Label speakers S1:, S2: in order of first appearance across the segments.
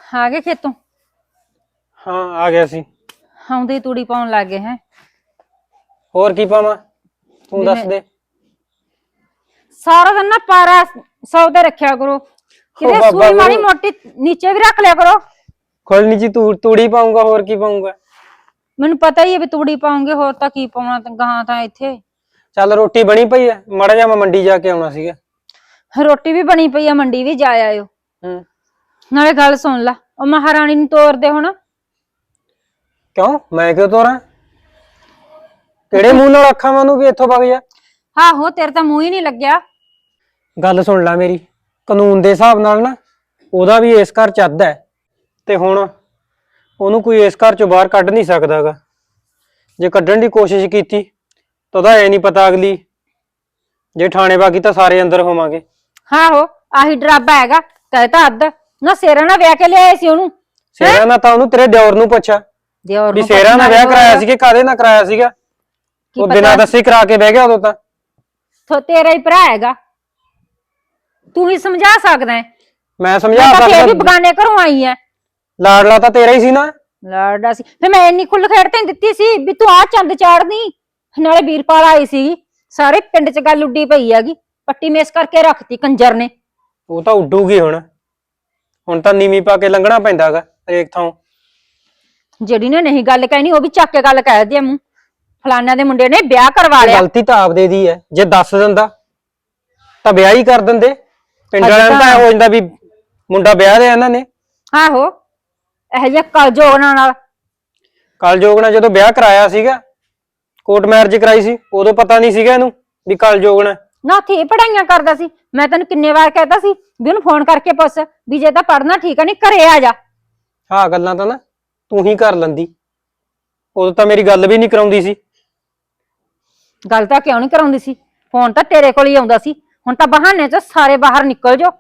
S1: ਆ ਗਏ ਖੇਤੋਂ?
S2: ਹਾਂ ਆ ਗਿਆ ਸੀ।
S1: ਆਉਂਦੇ ਹੀ ਤੂੜੀ ਪਾਉਣ ਲੱਗ ਗਏ ਹੈ।
S2: ਹੋਰ ਕੀ ਪਾਵਾਂ ਤੂੰ ਦੱਸ ਦੇ।
S1: ਸਾਰਾ ਦਿਨ ਨਾ ਪਾਰਾ ਸੌਦੇ ਰੱਖਿਆ ਕਰੋ, ਕਿਤੇ
S2: ਬਾਬਾ
S1: ਸੂਈ ਮਾੜੀ
S2: ਗੁਰੂ।
S1: ਮੋਟੀ ਨੀਚੇ ਵੀ ਰੱਖ ਲਿਆ ਕਰੋ।
S2: ਕੋਈ ਨੀ ਜੀ ਤੂੜੀ ਪਾਉਂਗਾ, ਹੋਰ ਕੀ ਪਾਉਂਗਾ।
S1: ਮੈਨੂੰ ਪਤਾ ਹੀ ਹੈ ਵੀ ਤੂੜੀ ਪਾਉਂਗੇ, ਹੋਰ ਤਾਂ ਕੀ ਪਾਉਣਾ ਗਾਂ ਤਾਂ ਇੱਥੇ।
S2: ਚੱਲ ਰੋਟੀ ਬਣੀ ਪਈ ਐ, ਮਾੜਾ ਜਿਹਾ ਮੈਂ ਮੰਡੀ ਜਾ ਕੇ ਆਉਣਾ ਸੀਗਾ।
S1: ਰੋਟੀ ਵੀ ਬਣੀ ਪਈ ਆ, ਮੰਡੀ ਵੀ ਜਾ ਆਇਓ।
S2: ਹੂੰ।
S1: ਨਾਲੇ ਗੱਲ ਸੁਣ ਲਾ, ਉਹ ਮਹਾਰਾਣੀ ਨੂੰ ਤੋਰਦੇ ਹੁਣ।
S2: ਕਿਉਂ ਮੈਂ ਕਿਉਂ ਤੋਰਾਂ? ਕਿਹੜੇ ਮੂੰਹ ਨਾਲ ਆਖਾਂ ਮੈਂ ਉਹਨੂੰ ਵੀ ਇੱਥੋਂ ਵਗ ਜਾ?
S1: ਆਹੋ ਤੇਰੇ ਤਾਂ ਮੂੰਹ ਹੀ ਨਹੀਂ ਲੱਗਿਆ।
S2: ਗੱਲ ਸੁਣ ਲੈ ਮੇਰੀ, ਕਾਨੂੰਨ ਦੇ ਹਿਸਾਬ ਨਾਲ ਨਾ ਉਹਦਾ ਵੀ ਇਸ ਘਰ ਚ ਅੱਧ ਹੈ, ਤੇ ਹੁਣ ਉਹਨੂੰ ਕੋਈ ਇਸ ਘਰ ਚੋਂ ਬਾਹਰ ਕੱਢ ਨਹੀਂ ਸਕਦਾਗਾ। ਜੇ ਕੱਢਣ ਦੀ ਕੋਸ਼ਿਸ਼ ਕੀਤੀ ਤਾਂ ਉਹਦਾ ਐ ਨਹੀਂ ਪਤਾ, ਅਗਲੀ ਜੇ ਥਾਣੇ ਬਾਗੀ ਤਾਂ ਸਾਰੇ ਅੰਦਰ ਹੋਵਾਂਗੇ।
S1: ਆਹੋ ਆਹੀ ਡਰਾਬਾ ਹੈਗਾ, ਕਹਿਤਾ ਅੱਧ ਨਾ ਸੇਰਾ ਨਾਲ ਵਿਆਹ ਕੇ ਲਿਆਏ ਸੀ ਉਹਨੂੰ।
S2: ਸੇਰਾ ਨਾਲ ਤਾਂ ਉਹਨੂੰ ਤੇਰੇ ਦਿਓਰ ਨੂੰ ਪੁੱਛਾ
S1: ਦਿਓਰ
S2: ਵੀ
S1: ਨੂੰ
S2: ਸੇਰਾ ਨਾਲ ਵਿਆਹ ਕਰਾਇਆ ਸੀ ਕਿ ਕਾਹਦੇ ਨਾਲ ਕਰਾਇਆ ਸੀਗਾ। ਉਹ ਬਿਨਾਂ ਦੱਸੇ ਕਰਾ ਕੇ ਬਹਿ ਗਿਆ ਉਦੋਂ ਤਾਂ।
S1: ਤੇਰਾ ਹੀ ਭਰਾ ਹੈਗਾ, ਤੂੰ ਹੀ ਸਮਝਾ ਸਕਦਾ ਹੈ।
S2: ਮੈਂ ਸਮਝਾ
S1: ਫੇਰ ਵੀ
S2: ਸਕਦਾ,
S1: ਬਗਾਨੇ ਘਰੋਂ ਆਈ ਹੈ।
S2: ਲਾਡਲਾ ਤਾਂ ਤੇਰਾ ਹੀ ਸੀ ਨਾ।
S1: ਲਾਡਾ ਸੀ ਫੇ ਮੈਂ ਇੰਨੀ ਖੁੱਲ ਖੇਡ ਤੇ ਦਿੱਤੀ ਸੀ ਵੀ ਤੂੰ ਆ ਚੰਦ ਚਾੜਨੀ। ਨਾਲੇ ਵੀਰਪਾਲ ਆਈ ਸੀ, ਸਾਰੇ ਪਿੰਡ ਚ ਗੱਲ ਉੱਡੀ ਪਈ ਹੈਗੀ, ਪੱਟੀ ਮੇਸ ਕਰਕੇ ਰੱਖਤੀ ਕੰਜਰ ਨੇ।
S2: ਉਹ ਤਾਂ ਉੱਡੂਗੀ ਹੁਣ ਤਾਂ ਨੀਵੀਂ ਪਾ ਕੇ ਲੰਘਣਾ ਪੈਂਦਾਗਾ ਹਰੇਕ ਥਾਂ।
S1: ਜਿਹੜੀ ਨੇ ਨਹੀਂ ਗੱਲ ਕਹਿਣੀ ਉਹ ਵੀ ਚੱਕ ਕੇ ਗੱਲ ਕਹਿ ਦਿਆ ਮੂੰਹ, ਫਲਾਨਿਆਂ ਦੇ ਮੁੰਡੇ ਨੇ ਵਿਆਹ ਕਰਵਾ ਲਿਆ।
S2: ਗਲਤੀ ਤਾਂ ਆਪਦੇ ਦੀ ਹੈ, ਜੇ ਦੱਸ ਦਿੰਦਾ ਤਾਂ ਵਿਆਹ ਹੀ ਕਰ ਦਿੰਦੇ। ਪਿੰਡ ਵਾਲਿਆਂ ਨੂੰ ਤਾਂ ਹੋ ਜਾਂਦਾ ਵੀ ਮੁੰਡਾ ਵਿਆਹ ਲਿਆ ਇਹਨਾਂ ਨੇ।
S1: ਆਹੋ ਇਹੋ ਜਿਹਾ ਕਲਜੋਗਣਾ ਨਾਲ।
S2: ਕਲਯੋਗ ਨਾਲ ਜਦੋਂ ਵਿਆਹ ਕਰਾਇਆ ਸੀਗਾ, ਕੋਰਟ ਮੈਰਿਜ ਕਰਾਈ ਸੀ, ਉਦੋਂ ਪਤਾ ਨਹੀਂ ਸੀਗਾ ਇਹਨੂੰ ਵੀ ਕਲਯੋਗ ਨਾਲ।
S1: ਨਾ ਉੱਥੇ ਪੜਾਈਆਂ ਕਰਦਾ ਸੀ, ਮੈਂ ਤੈਨੂੰ ਕਿੰਨੇ ਵਾਰ ਕਹਿਤਾ ਸੀ ਵੀ ਉਹਨੂੰ ਫੋਨ ਕਰਕੇ ਪੁੱਛ ਵੀ ਜੇ ਤਾਂ ਪੜਨਾ ਠੀਕ ਆ, ਨਹੀਂ ਘਰੇ ਆ ਜਾ।
S2: ਹਾਂ ਗੱਲਾਂ ਤਾਂ ਨਾ ਤੂੰ ਹੀ ਕਰ ਲੈਂਦੀ, ਉਦੋਂ ਤਾਂ ਮੇਰੀ ਗੱਲ ਵੀ ਨਹੀਂ ਕਰਾਉਂਦੀ ਸੀ।
S1: ਗੱਲ ਤਾਂ ਕਿਉਂ ਨਹੀਂ ਕਰਾਉਂਦੀ ਸੀ, ਫੋਨ ਤਾਂ ਤੇਰੇ ਕੋਲ ਹੀ ਆਉਂਦਾ ਸੀ। ਹੁਣ ਤਾਂ ਬਹਾਨੇ ਚ ਸਾਰੇ ਬਾਹਰ ਨਿਕਲ ਜਾਓ।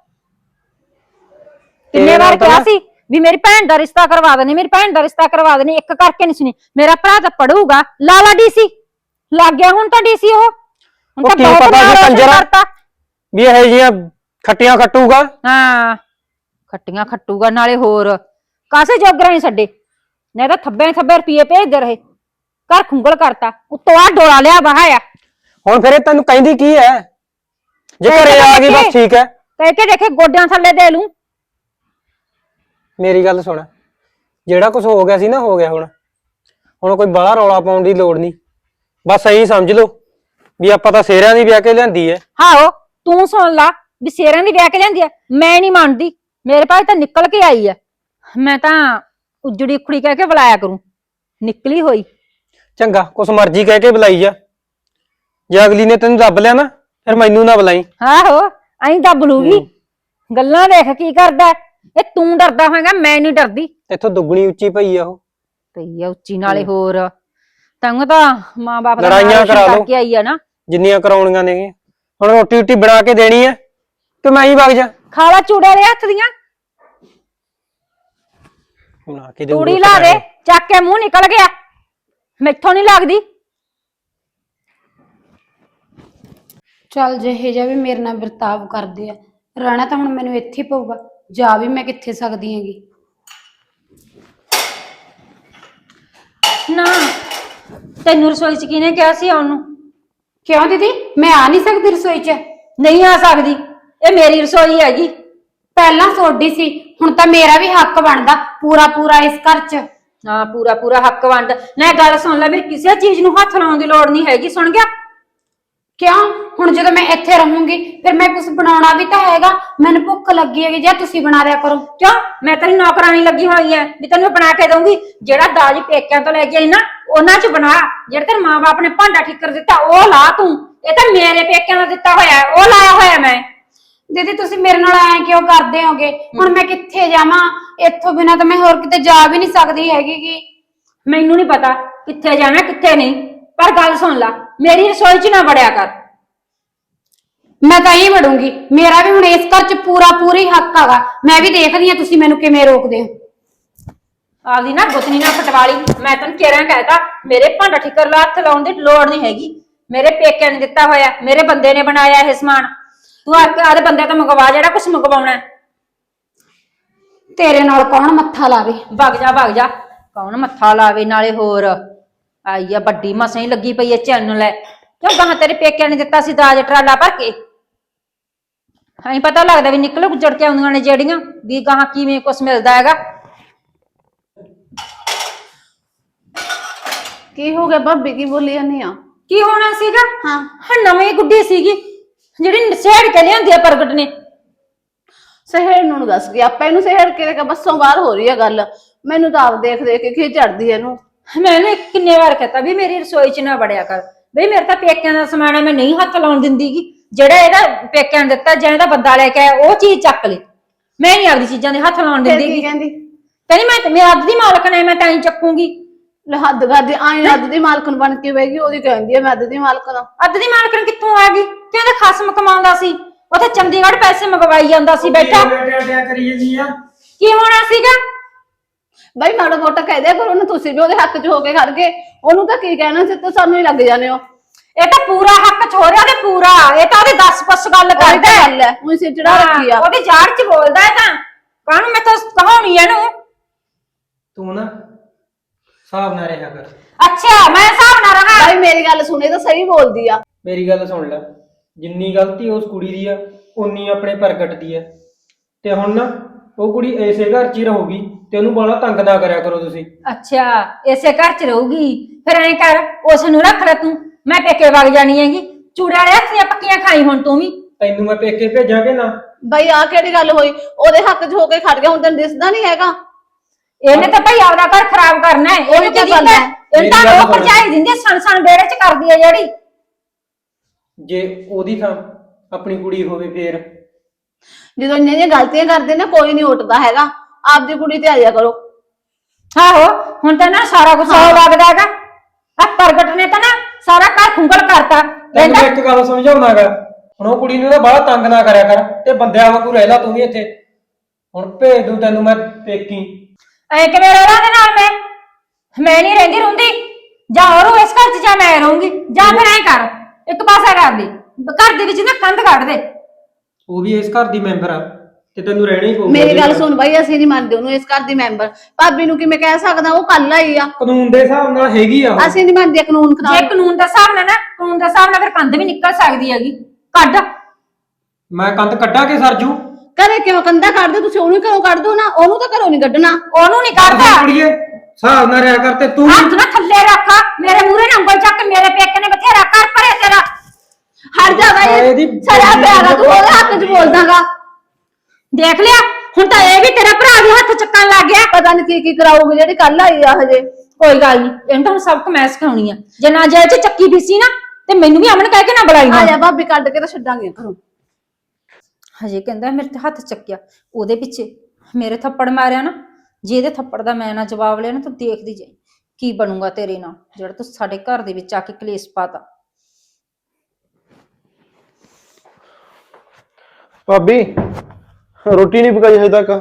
S1: ਕਿੰਨੇ ਵਾਰ ਕਿਹਾ ਸੀ ਵੀ ਮੇਰੀ ਭੈਣ ਦਾ ਰਿਸ਼ਤਾ ਕਰਵਾ ਦੇਣੀ, ਮੇਰੀ ਭੈਣ ਦਾ ਰਿਸ਼ਤਾ ਕਰਵਾ ਦੇਣੀ, ਇੱਕ ਕਰਕੇ ਨਹੀਂ ਸੁਣੀ। ਮੇਰਾ ਭਰਾ ਤਾਂ ਪੜੂਗਾ, ਲਾਲਾ ਡੀਸੀ ਲੱਗ ਗਿਆ ਹੁਣ ਤਾਂ ਡੀਸੀ। ਉਹ ਹੁਣ ਤਾਂ ਬਹੁਤ ਕਰਤਾ
S2: ਵੀ ਇਹ ਜਿਹੀਆਂ ਖੱਟੀਆਂ ਖੱਟੂਗਾ।
S1: ਹਾਂ ਖੱਟੀਆਂ ਖੱਟੂਗਾ, ਨਾਲੇ ਹੋਰ ਕਾਸੇ ਜੋਗਰਾ ਨਹੀਂ ਛੱਡੇ, ਨਹੀਂ ਤਾਂ ਥੱਬੇ ਥੱਬੇ ਰੁਪਏ ਭੇਜਦੇ ਰਹੇ, ਘਰ ਖੁੰਗਲ ਕਰਤਾ, ਉੱਤੋਂ ਆ ਡੋਲਾ ਲਿਆ ਬਹਾਇਆ।
S2: ਹੁਣ ਫਿਰ ਇਹ ਤੈਨੂੰ ਕਹਿੰਦੀ ਕੀ ਹੈ? ਜੇ ਘਰੇ ਆ ਗਈ ਬਸ ਠੀਕ ਹੈ,
S1: ਕਹਿ ਕੇ ਦੇਖੇ ਗੋਡਿਆਂ ਥੱਲੇ ਦੇ ਲੂੰ।
S2: ਮੇਰੀ ਗੱਲ ਸੁਣ, ਜਿਹੜਾ ਕੁਝ ਹੋ ਗਿਆ ਸੀ ਨਾ ਹੋ ਗਿਆ। ਹੁਣ ਕੋਈ ਬਾਹਰ ਰੌਲਾ ਪਾਉਣ ਦੀ ਲੋੜ ਨਹੀਂ, ਬਸ ਇਹੀ ਸਮਝ ਲਓ ਵੀ ਆਪਾਂ ਤਾਂ ਸੇਰਿਆਂ ਦੀ ਵਿਆਹ ਕੇ ਲਿਆਂਦੀ ਹੈ।
S1: ਆਹੋ ਤੂੰ ਸੁਣ ਲਾ ਵੀ ਸੇਰਿਆਂ ਦੀ ਵਿਆਹ ਕੇ ਲਿਆਂਦੀ ਆ, ਮੈਂ ਨਹੀਂ ਮੰਨਦੀ। ਮੇਰੇ ਭਾਈ ਤਾਂ ਨਿਕਲ ਕੇ ਆਈ ਆ, ਮੈਂ ਤਾਂ ਉਜੜੀ ਉਖੜੀ ਕਹਿ ਕੇ ਬੁਲਾਇਆ ਕਰੂੰ, ਨਿਕਲੀ ਹੋਈ।
S2: ਚੰਗਾ ਕੁਛ ਮਰਜ਼ੀ ਕਹਿ ਕੇ ਬੁਲਾਈ ਜਾ, ਜੇ ਅਗਲੀ ਨੇ ਤੈਨੂੰ ਦੱਬ ਲਿਆ ਨਾ ਫਿਰ ਮੈਨੂੰ ਨਾ ਬੁਲਾਈ।
S1: ਆਹੋ ਐਂ ਦੱਬ ਲੂਗੀ, ਗੱਲਾਂ ਦੇਖ ਕੀ ਕਰਦਾ। ਇਹ ਤੂੰ ਡਰਦਾ ਹੋਏਗਾ, ਮੈਂ ਨਹੀਂ ਡਰਦੀ।
S2: ਇੱਥੋਂ ਦੁੱਗਣੀ ਉੱਚੀ ਪਈ ਆ ਉਹ।
S1: ਪਈ ਆ ਉੱਚੀ, ਨਾਲੇ ਹੋਰ ਤੈਨੂੰ ਤਾਂ ਮਾਂ ਬਾਪ ਦਾ
S2: ਲੜਾਈਆਂ ਕਰਾ ਲਓ
S1: ਕੇ ਆਈ ਆ ਨਾ, ਜਿੰਨੀਆਂ
S2: ਕਰਾਉਣੀਆਂ ਨੇ। ਹੁਣ ਰੋਟੀ ਬਣਾ ਕੇ ਦੇਣੀ ਹੈ ਕਿ ਮੈਂ ਹੀ ਵਗ ਜਾ?
S1: ਖਾ ਲਾ ਚੂੜੇ ਦੇ ਹੱਥ ਦੀਆਂ,
S2: ਬਣਾ ਕੇ
S1: ਤੂੜੀ ਲਾ ਦੇ, ਚੱਕ ਕੇ ਮੂੰਹ ਨਿਕਲ ਗਿਆ, ਮੈਥੋਂ ਨਹੀਂ ਲੱਗਦੀ।
S3: ਚੱਲ ਜਿਹੇ ਜਿਹਾ ਵੀ ਮੇਰੇ ਨਾਲ ਵਰਤਾਵ ਕਰਦੇ ਆ, ਰਹਿਣਾ ਤਾਂ ਹੁਣ ਮੈਨੂੰ ਇੱਥੇ ਪਊਗਾ, ਜਾ ਵੀ ਮੈਂ ਕਿੱਥੇ ਸਕਦੀ ਹੈਗੀ।
S1: ਨਾ ਤੈਨੂੰ ਰਸੋਈ ਚ ਕਿਹਨੇ ਕਿਹਾ ਸੀ ਆਉਣ ਨੂੰ?
S3: ਕਿਉਂ ਦੀਦੀ, ਮੈਂ ਆ ਨਹੀਂ ਸਕਦੀ ਰਸੋਈ 'ਚ?
S1: ਨਹੀਂ ਆ ਸਕਦੀ, ਇਹ ਮੇਰੀ ਰਸੋਈ ਹੈਗੀ।
S3: ਪਹਿਲਾਂ ਤੁਹਾਡੀ ਸੀ, ਹੁਣ ਤਾਂ ਮੇਰਾ ਵੀ ਹੱਕ ਬਣਦਾ ਪੂਰਾ ਇਸ ਘਰ 'ਚ।
S1: ਹਾਂ ਪੂਰਾ ਹੱਕ ਵੰਡ। ਨਾ ਗੱਲ ਸੁਣ ਲੈ, ਮੇਰੀ ਕਿਸੇ ਚੀਜ਼ ਨੂੰ ਹੱਥ ਲਾਉਣ ਦੀ ਲੋੜ ਨਹੀਂ ਹੈਗੀ, ਸੁਣ ਗਿਆ?
S3: ਕਿਉਂ? ਹੁਣ ਜਦੋਂ ਮੈਂ ਇੱਥੇ ਰਹੂੰਗੀ ਫਿਰ ਮੈਂ ਕੁਝ ਬਣਾਉਣਾ ਵੀ ਤਾਂ ਹੈਗਾ, ਮੈਨੂੰ ਭੁੱਖ ਲੱਗੀ ਹੈਗੀ, ਜਾਂ ਤੁਸੀਂ ਬਣਾ ਦਿਆ ਕਰੋ।
S1: ਕਿਉਂ? ਮੈਂ ਤੇਰੀ ਨੌਕਰਾਨੀ ਲੱਗੀ ਹੋਈ ਐ ਵੀ ਤੈਨੂੰ ਬਣਾ ਕੇ ਦਊਂਗੀ। ਜਿਹੜਾ ਦਾਜ ਪੇਕਿਆਂ ਤੋਂ ਲੈ ਕੇ ਆਈ ਨਾ ਉਹਨਾਂ 'ਚ ਬਣਾ, ਜਿਹੜੇ ਤੇਰੇ ਮਾਂ-ਬਾਪ ਨੇ ਭਾਂਡਾ ਠੀਕਰ ਦਿੱਤਾ ਉਹ ਲਾ ਤੂੰ। ਇਹ ਤਾਂ ਮੇਰੇ ਪੇਕਿਆਂ ਦਾ ਦਿੱਤਾ ਹੋਇਆ, ਉਹ ਲਾਇਆ ਹੋਇਆ ਮੈਂ।
S3: ਦੀਦੀ ਤੁਸੀਂ ਮੇਰੇ ਨਾਲ ਐ ਕਿਉਂ ਕਰਦੇ ਹੋਗੇ? ਹੁਣ ਮੈਂ ਕਿੱਥੇ ਜਾਵਾਂ? ਇੱਥੋਂ ਬਿਨਾਂ ਤਾਂ ਮੈਂ ਹੋਰ ਕਿਤੇ ਜਾ ਵੀ ਨਹੀਂ ਸਕਦੀ ਹੈਗੀ ਗੀ।
S1: ਮੈਨੂੰ ਨਹੀਂ ਪਤਾ ਕਿੱਥੇ ਜਾਣਾ ਕਿੱਥੇ ਨਹੀਂ, ਪਰ ਗੱਲ ਸੁਣ ਲਾ, ਮੇਰੀ ਰਸੋਈ 'ਚ ਨਾ ਵੜਿਆ ਕਰ।
S3: ਮੈਂ ਤਾਂ ਹੀ ਵੜੂੰਗੀ, ਮੇਰਾ ਵੀ ਹੁਣ ਇਸ ਘਰ 'ਚ ਪੂਰੀ ਹੱਕ ਹੈਗਾ। ਮੈਂ ਵੀ ਦੇਖਦੀ ਆ ਤੁਸੀਂ ਮੈਨੂੰ ਕਿਵੇਂ ਰੋਕਦੇ ਹੋ।
S1: ਆਪਦੀ ਨਾ ਗੁੱਤਨੀ ਨਾ ਪਟਵਾਲੀ, ਮੈਂ ਤੈਨੂੰ ਕਿਹੜਾ ਕਹਿਤਾ, ਮੇਰੇ ਭਾਂਡਾ ਠੀਕਰ ਲਾ ਹੱਥ ਲਾਉਣ ਦੀ ਲੋੜ ਨਹੀਂ ਹੈਗੀ। ਮੇਰੇ ਪੇਕਿਆਂ ਨੇ ਦਿੱਤਾ ਹੋਇਆ, ਮੇਰੇ ਬੰਦੇ ਨੇ ਬਣਾਇਆ ਇਹ ਸਮਾਨ। ਤੂੰ ਆਦੇ ਬੰਦੇ ਤੋਂ ਮੰਗਵਾ ਜਿਹੜਾ ਕੁਛ ਮੰਗਵਾਉਣਾ।
S3: ਤੇਰੇ ਨਾਲ ਕੌਣ ਮੱਥਾ ਲਾਵੇ?
S1: ਵਗ ਜਾ ਕੌਣ ਮੱਥਾ ਲਾਵੇ? ਨਾਲੇ ਹੋਰ ਆਈ ਆ ਵੱਡੀ ਮਸਾਂ ਹੀ ਲੱਗੀ ਪਈ ਐ ਚੈਨ ਲੈ। ਕਿਉਂ ਗਾਹਾਂ ਤੇਰੇ ਪੇਕਿਆਂ ਨੇ ਦਿੱਤਾ ਸੀ ਦਾਜ ਟਰਾਲਾ ਭਰ ਕੇ। ਹਾਂ ਪਤਾ ਲੱਗਦਾ ਵੀ ਨਿਕਲ ਗੁੱਜੜ ਕੇ ਆਉਂਦੀਆਂ ਨੇ ਜਿਹੜੀਆਂ ਵੀ ਗਾਹਾਂ ਕਿਵੇਂ ਕੁਛ ਮਿਲਦਾ ਹੈਗਾ।
S4: ਕੀ ਹੋ ਗਿਆ ਭਾਬੀ, ਕੀ ਬੋਲੀ ਜਾਂਦੀ ਆ?
S1: ਕੀ ਹੋਣਾ ਸੀਗਾ?
S4: ਹਾਂ
S1: ਨਵੀਂ ਗੁੱਡੀ ਸੀਗੀ ਜਿਹੜੀ ਸਹਿੜ ਕੇ ਲਿਆਂਦੀ ਆ ਪ੍ਰਗਟ ਨੇ।
S4: ਸਹਿੜ ਨੂੰ ਦੱਸ ਗਿਆ, ਆਪਾਂ ਇਹਨੂੰ ਸਹਿੜ ਕੇ ਬੱਸੋਂ ਬਾਹਰ ਹੋ ਰਹੀ ਆ ਗੱਲ। ਮੈਨੂੰ ਤਾਂ ਆਪ ਦੇਖ ਦੇਖ ਕੇ ਖਿਝ ਚੜਦੀ ਇਹਨੂੰ।
S1: ਮੈंने ਕਿੰਨੇ ਵਾਰ ਕਹਤਾ ਵੀ ਮੇਰੀ ਰਸੋਈ 'ਚ ਨਾ ਵੜਿਆ ਕਰ ਬਈ, ਮੇਰੇ ਤਾਂ ਪੇਕਿਆਂ ਦਾ ਸਮਾਨ ਹੈ, ਮੈਂ ਨਹੀਂ ਹੱਥ ਲਾਉਣ ਦਿੰਦੀਗੀ। ਜਿਹੜਾ ਇਹਦਾ ਪੇਕਿਆਂ ਨੇ ਦਿੱਤਾ ਜਾਂ ਇਹਦਾ ਬੰਦਾ ਲੈ ਕੇ ਆਇਆ ਉਹ ਚੀਜ਼ ਚੱਕ ਲੈ। ਮੈਂ ਨਹੀਂ ਆਪਦੀ ਚੀਜ਼ਾਂ ਦੇ ਹੱਥ ਲਾਉਣ
S4: ਫਿਰ
S1: ਦਿੰਦੀ।
S4: ਕੀ ਕਹਿੰਦੀ?
S1: ਕਹਿੰਦੀ ਮੈਂ ਅੱਧ ਦੀ ਮਾਲਕ ਨੇ, ਮੈਂ ਤਾਂ ਹੀ ਚੱਕੂਗੀ।
S4: ਲੈ ਹੱਦ ਕਰਦੀ, ਆਈ ਅੱਧ ਦੀ ਮਾਲਕਣ ਬਣ ਕੇ ਬਹਿ ਗਈ। ਉਹਦੀ ਕਹਿੰਦੀ ਆ ਮੈਂ ਅੱਧ ਦੀ ਮਾਲਕਣ ਆ।
S1: ਅੱਧ ਦੀ ਮਾਲਕਣ ਕਿੱਥੋਂ ਆ ਗਈ? ਤੇ ਉਹਦੇ ਖਸਮ ਕਮਾਉਂਦਾ ਸੀ ਉੱਥੇ ਚੰਡੀਗੜ੍ਹ, ਪੈਸੇ ਮੰਗਵਾਈ ਜਾਂਦਾ ਸੀ ਬੈਠਾ।
S2: ਕਰੀ ਜਾਂਦੀ ਆ।
S1: ਕੀ ਹੋਣਾ ਸੀਗਾ?
S4: ਬਾਈ ਮਾੜਾ ਮੋਟਾ ਕਹਿ ਦਿਆ ਕਰੋ ਨਾ, ਤੁਸੀਂ ਵੀ ਉਹਦੇ ਹੱਕ 'ਚ ਹੋ ਕੇ ਖੜ ਗਏ। ਉਹਨੂੰ ਤਾਂ ਕੀ ਕਹਿਣਾ ਸੀ, ਤੇ ਸਾਨੂੰ ਹੀ ਲੱਗ ਜਾਣੇ ਹੋ।
S1: ਇਹ ਤਾਂ ਪੂਰਾ ਹੱਕ ਛੋੜਿਆ ਤੇ ਪੂਰਾ, ਇਹ ਤਾਂ ਉਹਦੇ 10 ਪਸ ਗੱਲ ਕਰਦਾ ਹੈ।
S4: ਗੱਲ ਹੈ ਉਹੀ ਸਿਰ ਚੜਾ ਰੱਖੀ ਆ।
S1: ਉਹਦੀ ਜਾੜ 'ਚ ਬੋਲਦਾ ਹੈ ਤਾਂ ਕਾਹਨੂੰ ਮੈਂ ਤਾਂ ਕਹਾਉਣੀ ਇਹਨੂੰ।
S2: ਤੂੰ ਨਾ ਹਿਸਾਬ ਨਾਲ ਰਿਹਾ ਕਰ।
S1: ਅੱਛਾ ਮੈਂ ਹਿਸਾਬ ਨਾਲ ਰਹਾ।
S4: ਬਾਈ ਮੇਰੀ ਗੱਲ ਸੁਣੇ ਤਾਂ ਸਹੀ ਬੋਲਦੀ ਆ।
S2: ਮੇਰੀ ਗੱਲ ਸੁਣ ਲੈ, ਜਿੰਨੀ ਗਲਤੀ ਉਸ ਕੁੜੀ ਦੀ ਆ ਉਨੀ ਆਪਣੇ ਪ੍ਰਗਟ ਦੀ ਆ। ਤੇ ਹੁਣ ਨਾ ਉਹ ਕੁੜੀ ਐਸੇ ਘਰ 'ਚ ਹੀ ਰਹੂਗੀ ਤੇ ਉਹਨੂੰ ਬਾਹਲਾ ਤੰਗ ਨਾ ਕਰਿਆ ਕਰੋ ਤੁਸੀਂ।
S1: ਅੱਛਾ ਇਸੇ ਘਰ 'ਚ ਰਹੂਗੀ, ਫਿਰ ਐਂ ਕਰ ਉਸ ਨੂੰ ਰੱਖ ਲੈ ਤੂੰ, ਮੈਂ ਪੇਕੇ ਵਗ ਜਾਣੀ ਹੈਗੀ। ਚੂੜੇ ਵਾਲੇ ਹੱਥ ਦੀਆਂ ਪੱਕੀਆਂ ਖਾਈ ਹੁਣ ਤੂੰ ਵੀ।
S2: ਤੈਨੂੰ ਮੈਂ ਪੇਕੇ ਭੇਜਾਂਗੇ ਨਾ।
S4: ਬਾਈ ਆਹ ਕਿਹੜੀ ਗੱਲ ਹੋਈ? ਉਹਦੇ ਹੱਕ 'ਚ ਹੋ ਕੇ ਖੜ ਗਿਆ, ਹੁਣ ਤੈਨੂੰ ਦਿਸਦਾ ਨਹੀਂ ਹੈਗਾ?
S1: ਇਹਨੇ ਤਾਂ ਭਾਈ ਆਪਦਾ ਘਰ ਖਰਾਬ ਕਰਨਾ ਹੈ। ਇਹਨੂੰ ਕੀ
S4: ਗੱਲ
S1: ਦਿੱਤਾ?
S4: ਹੈ?
S1: ਇਹ ਤਾਂ ਉਹ ਭਰਜਾਈ ਦਿੰਦੀ ਸਣ ਬੇੜੇ 'ਚ ਕਰਦੀ ਹੈ ਜਿਹੜੀ।
S2: ਜੇ ਉਹਦੀ ਥਾਂ ਆਪਣੀ ਕੁੜੀ ਹੋਵੇ ਫੇਰ?
S4: ਜਦੋਂ ਇੰਨੇ ਦੀਆਂ ਗਲਤੀਆਂ ਕਰਦੇ ਨਾ ਕੋਈ ਨਹੀਂ ਉੱਠਦਾ ਹੈਗਾ। ਆਪਦੀ ਕੁੜੀ ਤੇ ਆ ਜਾ ਕਰੋ।
S1: ਆਹੋ ਹੁਣ ਤਾਂ ਨਾ ਸਾਰਾ ਕੁਝ ਸੌ ਲੱਗਦਾ ਹੈਗਾ। ਆ ਪ੍ਰਗਟ ਨੇ ਤਾਂ ਨਾ ਸਾਰਾ ਘਰ ਖੁੰਗਲ ਕਰਤਾ।
S2: ਤੈਨੂੰ ਮੈਂ ਇੱਕ ਗੱਲ ਸਮਝਾਉਣਾਗਾ, ਹੁਣ ਉਹ ਕੁੜੀ ਨੂੰ ਨਾ ਬਾਹਲਾ ਤੰਗ ਨਾ ਕਰਿਆ ਕਰ ਤੇ ਬੰਦਿਆਂ ਵਾਂਗੂ ਰਹਿ ਲਾ ਤੂੰ ਵੀ ਇੱਥੇ। ਹੁਣ ਭੇਜ ਦੂੰ ਤੈਨੂੰ ਮੈਂ ਪੇਕੀ।
S1: ਐ ਕਿਵੇਂ ਰਹਿਣਾ ਦੇ ਨਾਲ ਮੈਂ ਨਹੀਂ ਰਹਿੰਦੀ ਰੁੰਦੀ। ਜਾਂ ਹੋਰ ਇਸ ਘਰ 'ਚ ਜਾਂ ਮੈਂ ਰਹੂੰਗੀ, ਜਾਂ ਫਿਰ ਐਂ ਕਰ ਇੱਕ ਪਾਸਾ ਕਰ ਦੇ, ਘਰ ਦੇ ਵਿੱਚ ਨਾ ਕੰਧ ਕੱਢ ਦੇ।
S2: ਉਹ ਵੀ ਇਸ ਘਰ ਦੀ ਮੈਂਬਰ ਆ ਤੇ ਤੈਨੂੰ ਰਹਿਣਾ ਹੀ ਪਊਗਾ।
S4: ਮੇਰੀ ਗੱਲ ਸੁਣ ਬਾਈ, ਅਸੀਂ ਨਹੀਂ ਮੰਨਦੇ ਉਹਨੂੰ ਇਸ ਘਰ ਦੀ ਮੈਂਬਰ। ਭਾਬੀ ਨੂੰ ਕਿਵੇਂ ਕਹਿ ਸਕਦਾ? ਉਹ ਕੱਲ ਆਈ ਆ।
S2: ਕਾਨੂੰਨ ਦੇ ਹਿਸਾਬ ਨਾਲ ਹੈਗੀ ਆ ਉਹ।
S4: ਅਸੀਂ ਨਹੀਂ ਮੰਨਦੇ ਕਾਨੂੰਨ
S1: ਜੇ
S4: ਖਰਾਬ।
S1: ਕਾਨੂੰਨ ਦਾ ਹਿਸਾਬ ਨਾਲ ਨਾ, ਕਾਨੂੰਨ ਦਾ ਹਿਸਾਬ ਨਾਲ ਫਿਰ ਕੰਧ ਵੀ ਨਿਕਲ ਸਕਦੀ ਹੈਗੀ। ਕੱਢ।
S2: ਮੈਂ ਕੰਧ ਕੱਢਾਂ ਕੇ ਸਰਜੂ?
S4: ਘਰੇ ਕਿਉਂ ਕੰਧਾ ਕੱਢਦੇ ਤੁਸੀਂ? ਉਹਨੂੰ ਘਰੋਂ ਕੱਢ ਦੋ ਨਾ, ਉਹਨੂੰ ਤਾਂ ਘਰੋਂ ਨਹੀਂ ਕੱਢਣਾ।
S1: ਉਹਨੂੰ ਨਹੀਂ ਕੱਢਦਾ।
S2: ਕੁੜੀਏ ਹਿਸਾਬ ਨਾਲ ਰਿਹਾ ਕਰ ਤੇ ਤੂੰ
S1: ਹੱਥ ਨਾ ਥੱਲੇ ਰੱਖ, ਮੇਰੇ ਮੂਹਰੇ ਨਾ ਉਂਗਲ ਚੱਕ। ਮੇਰੇ ਪੇਕੇ ਨੇ ਬਥੇਰਾ ਕਰ ਭਰੇ ਤੇਰਾ।
S4: ਹਟ ਜਾ ਬਾਈ, ਸੜਾ ਪਿਆਗਾ ਤੂੰ ਉਹਦੇ ਹੱਕ 'ਚ ਬੋਲਦਾਗਾ।
S1: ਦੇਖ ਲਿਆ ਹੁਣ ਤਾਂ ਇਹ ਵੀ ਤੇਰਾ ਭਰਾ ਵੀ ਹੱਥ ਚੱਕਣ ਲੱਗ ਗਿਆ।
S4: ਪਤਾ ਨਹੀਂ ਕੀ ਕੀ ਕਰਾਊਗੀ ਜਿਹੜੀ ਕੱਲ ਆਈ ਆ ਹਜੇ।
S1: ਕੋਈ ਗੱਲ ਨਹੀਂ, ਇਹਨੂੰ ਤਾਂ ਹੁਣ ਸਬਕ ਮੈਂ ਸਿਖਾਉਣੀ ਆ। ਜੇ ਨਾ ਜੇ ਚ ਚੱਕੀ ਪੀਸੀ ਨਾ ਤੇ ਮੈਨੂੰ ਵੀ ਅਮਨ ਕਹਿ ਕੇ ਨਾ ਬੁਲਾਈ
S4: ਆ
S1: ਨਾ।
S4: ਜਾ ਭਾਬੀ, ਕੱਢ ਕੇ ਤਾਂ ਛੱਡਾਂਗੇ ਘਰੋਂ।
S1: ਹਜੇ ਕਹਿੰਦਾ ਮੇਰੇ ਤੇ ਹੱਥ ਚੱਕਿਆ, ਉਹਦੇ ਪਿੱਛੇ ਮੇਰੇ ਥੱਪੜ ਮਾਰਿਆ ਨਾ। ਜੇ ਇਹਦੇ ਥੱਪੜ ਦਾ ਮੈਂ ਨਾ ਜਵਾਬ ਲਿਆ ਨਾ ਤਾਂ ਦੇਖਦੀ ਜਾਈ ਕੀ ਬਣੂਗਾ ਤੇਰੇ ਨਾਲ, ਜਿਹੜਾ ਤੂੰ ਸਾਡੇ ਘਰ ਦੇ ਵਿੱਚ ਆ ਕੇ ਕਲੇਸ਼ ਪਾਤਾ।
S5: ਭਾਬੀ ਰੋਟੀ ਨਹੀਂ ਪਕਾਈ ਹਜੇ ਤੱਕ।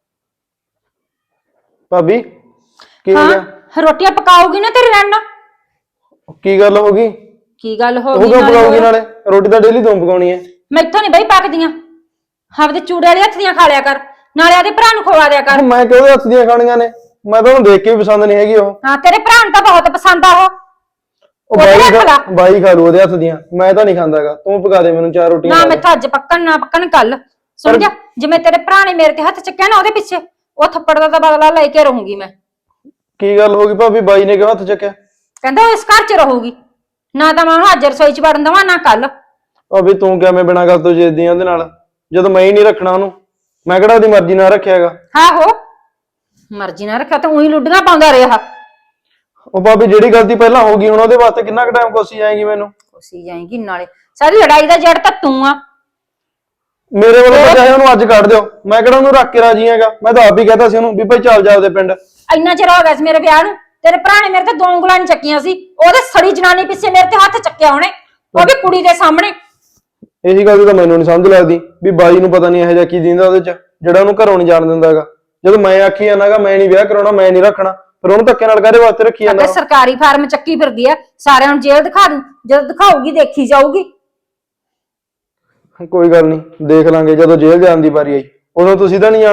S5: ਭਾਬੀ ਕੀ ਹੋ ਗਿਆ?
S1: ਹਾਂ ਰੋਟੀਆਂ ਪਕਾਉਗੀ ਨਾ ਤੇਰੇ ਨਾਲ।
S5: ਕੀ ਗੱਲ ਹੋ ਗਈ?
S1: ਕੀ ਗੱਲ ਹੋ
S5: ਉਹ
S1: ਗਈ?
S5: ਕਿਉਂ ਪਕਾਉਗੀ?
S1: ਨਾਲੇ
S5: ਨਾਲੇ ਰੋਟੀ ਤਾਂ ਡੇਲੀ ਤੂੰ ਪਕਾਉਣੀ ਹੈ।
S1: ਮੈਥੋਂ ਨਹੀਂ ਬਈ ਪੱਕਦੀਆਂ। ਆਪਦੇ ਚੂੜੇ ਵਾਲੇ ਹੱਥ ਦੀਆਂ ਖਾ ਲਿਆ ਕਰ, ਨਾਲੇ ਆਦੇ ਭਰਾ ਨੂੰ ਖਵਾ ਦਿਆ ਕਰ।
S5: ਮੈਂ ਕਿਹਦੇ ਹੱਥ ਦੀਆਂ ਖਾਣੀਆਂ ਨੇ? ਮੈਂ ਤਾਂ ਉਹਨੂੰ ਦੇਖ ਕੇ ਵੀ ਪਸੰਦ ਨਹੀਂ ਹੈਗੀ ਉਹ।
S1: ਹਾਂ ਤੇਰੇ ਭਰਾ ਨੂੰ ਤਾਂ ਬਹੁਤ ਪਸੰਦ ਆ ਉਹ।
S5: ਉਹ ਬਾਈ ਖਾ ਲੂ ਉਹਦੇ ਹੱਥ ਦੀਆਂ, ਮੈਂ ਤਾਂ ਨਹੀਂ ਖਾਂਦਾਗਾ। ਤੂੰ ਪਕਾ ਦੇ ਮੈਨੂੰ 4 ਰੋਟੀਆਂ।
S1: ਨਾ ਮੈਥੋਂ ਅੱਜ ਪੱਕਣ ਨਾ ਪੱਕਣ ਕੱਲ। ਸਮਝਿਆ? ਜਿਵੇਂ ਤੇਰੇ ਭਰਾ ਨੇ ਮੇਰੇ ਤੇ ਹੱਥ ਚੱਕਿਆ ਨਾ, ਉਹਦੇ ਪਿੱਛੇ ਉਹ ਥੱਪੜ ਦਾ ਤਾਂ ਬਦਲਾ ਲੈ ਕੇ ਰਹੂੰਗੀ ਮੈਂ।
S5: ਕੀ ਗੱਲ ਹੋ ਗਈ ਭਾਬੀ? ਬਾਈ ਨੇ ਕਿਉਂ ਹੱਥ ਚੱਕਿਆ?
S1: ਕਹਿੰਦਾ ਉਹ ਇਸ ਘਰ 'ਚ ਰਹੂਗੀ ਨਾ, ਤਾਂ ਮੈਂ ਉਹਨੂੰ ਅੱਜ ਰਸੋਈ 'ਚ ਵੜਨ ਦੇਵਾਂ ਨਾ ਕੱਲ।
S5: ਭਾਬੀ ਤੂੰ ਕਿਵੇਂ ਬਿਨਾਂ ਗੱਲ ਤੋਂ ਜਿੱਦੀ ਆ ਉਹਦੇ ਨਾਲ, ਜਦੋਂ ਮੈਂ ਹੀ ਨਹੀਂ ਰੱਖਣਾ ਉਹਨੂੰ? ਮੈਂ ਕਿਹੜਾ ਉਹਦੀ ਮਰਜ਼ੀ ਨਾਲ ਰੱਖਿਆਗਾ।
S1: ਆਹੋ ਮਰਜ਼ੀ ਨਾਲ ਰੱਖਿਆ ਤਾਂ ਉਹੀ ਲੁੱਡੀਆਂ ਪਾਉਂਦਾ ਰਿਹਾ।
S5: ਉਹ ਭਾਬੀ ਜਿਹੜੀ ਗਲਤੀ ਪਹਿਲਾਂ ਹੋ ਗਈ, ਹੁਣ ਉਹਦੇ ਵਾਸਤੇ ਕਿੰਨਾ ਕੁ ਟਾਈਮ ਕੋਸੀ ਜਾਏਗੀ ਮੈਨੂੰ?
S1: ਕੋਸੀ ਜਾਏਗੀ, ਨਾਲੇ ਸਾਰੀ ਲੜਾਈ ਦਾ ਜੜ ਤਾਂ ਤੂੰ ਆ।
S5: ਮੇਰੇ ਵੱਲੋਂ ਤਾਂ ਚਾਹੇ ਉਹਨੂੰ ਅੱਜ ਕੱਢ ਦਿਓ, ਮੈਂ ਕਿਹੜਾ ਉਹਨੂੰ ਰੱਖ ਕੇ ਰਾਜੀ ਹੈਗਾ। ਮੈਂ ਤਾਂ ਆਪ ਹੀ ਕਹਤਾ ਸੀ ਉਹਨੂੰ ਵੀ ਭਾਈ ਚੱਲ ਜਾ ਉਹਦੇ ਪਿੰਡ।
S1: ਇੰਨਾ ਚਿਰ ਹੋ ਗਿਆ ਸੀ ਮੇਰੇ ਵਿਆਹ ਨੂੰ, ਤੇਰੇ ਭਰਾ ਨੇ ਮੇਰੇ ਤੇ 2 ਉਂਗਲਾਂ ਨੀ ਚੱਕੀਆਂ ਸੀ। ਉਹਦੇ ਸੜੀ ਜਨਾਨੀ ਪਿੱਛੇ ਮੇਰੇ ਤੇ ਹੱਥ ਚੱਕਿਆ ਉਹਨੇ, ਉਹ ਵੀ ਕੁੜੀ ਦੇ ਸਾਹਮਣੇ।
S5: ਇਹੀ ਗੱਲ ਤਾਂ ਮੈਨੂੰ ਨਹੀਂ ਸਮਝ ਲੱਗਦੀ ਵੀ ਬਾਈ ਨੂੰ ਪਤਾ ਨਹੀਂ ਇਹੋ ਜਿਹਾ ਕੀ ਦਿੰਦਾ ਉਹਦੇ ਚ, ਜਿਹੜਾ ਉਹਨੂੰ ਘਰੋਂ ਨਹੀਂ ਜਾਣ ਦਿੰਦਾਗਾ। ਜਦੋਂ ਮੈਂ ਆਖੀ ਜਾਂਦਾਗਾ ਮੈਂ ਨਹੀਂ ਵਿਆਹ ਕਰਾਉਣਾ, ਮੈਂ ਨਹੀਂ ਰੱਖਣਾ, ਫਿਰ ਉਹਨੂੰ ਧੱਕੇ ਨਾਲ ਕਾਹਦੇ ਵਾਸਤੇ ਰੱਖੀ ਜਾਂਦਾ?
S1: ਸਰਕਾਰੀ ਫਾਰਮ ਚੱਕੀ ਫਿਰਦੀ ਆ, ਸਾਰਿਆਂ ਨੂੰ ਜੇਲ੍ਹ ਦਿਖਾ ਦੂੰ। ਜਦੋਂ ਦਿਖਾਊਗੀ ਦੇਖੀ ਜਾਊਗੀ।
S5: ਕੋਈ ਗੱਲ ਨਹੀਂ, ਦੇਖ ਲਾਂਗੇ ਜਦੋਂ ਜੇਲ੍ਹ ਜਾਣ ਦੀ ਵਾਰੀ ਆਈ। ਉਦੋਂ ਤੁਸੀਂ ਤਾਂ ਨਹੀਂ ਜਾਣਾ,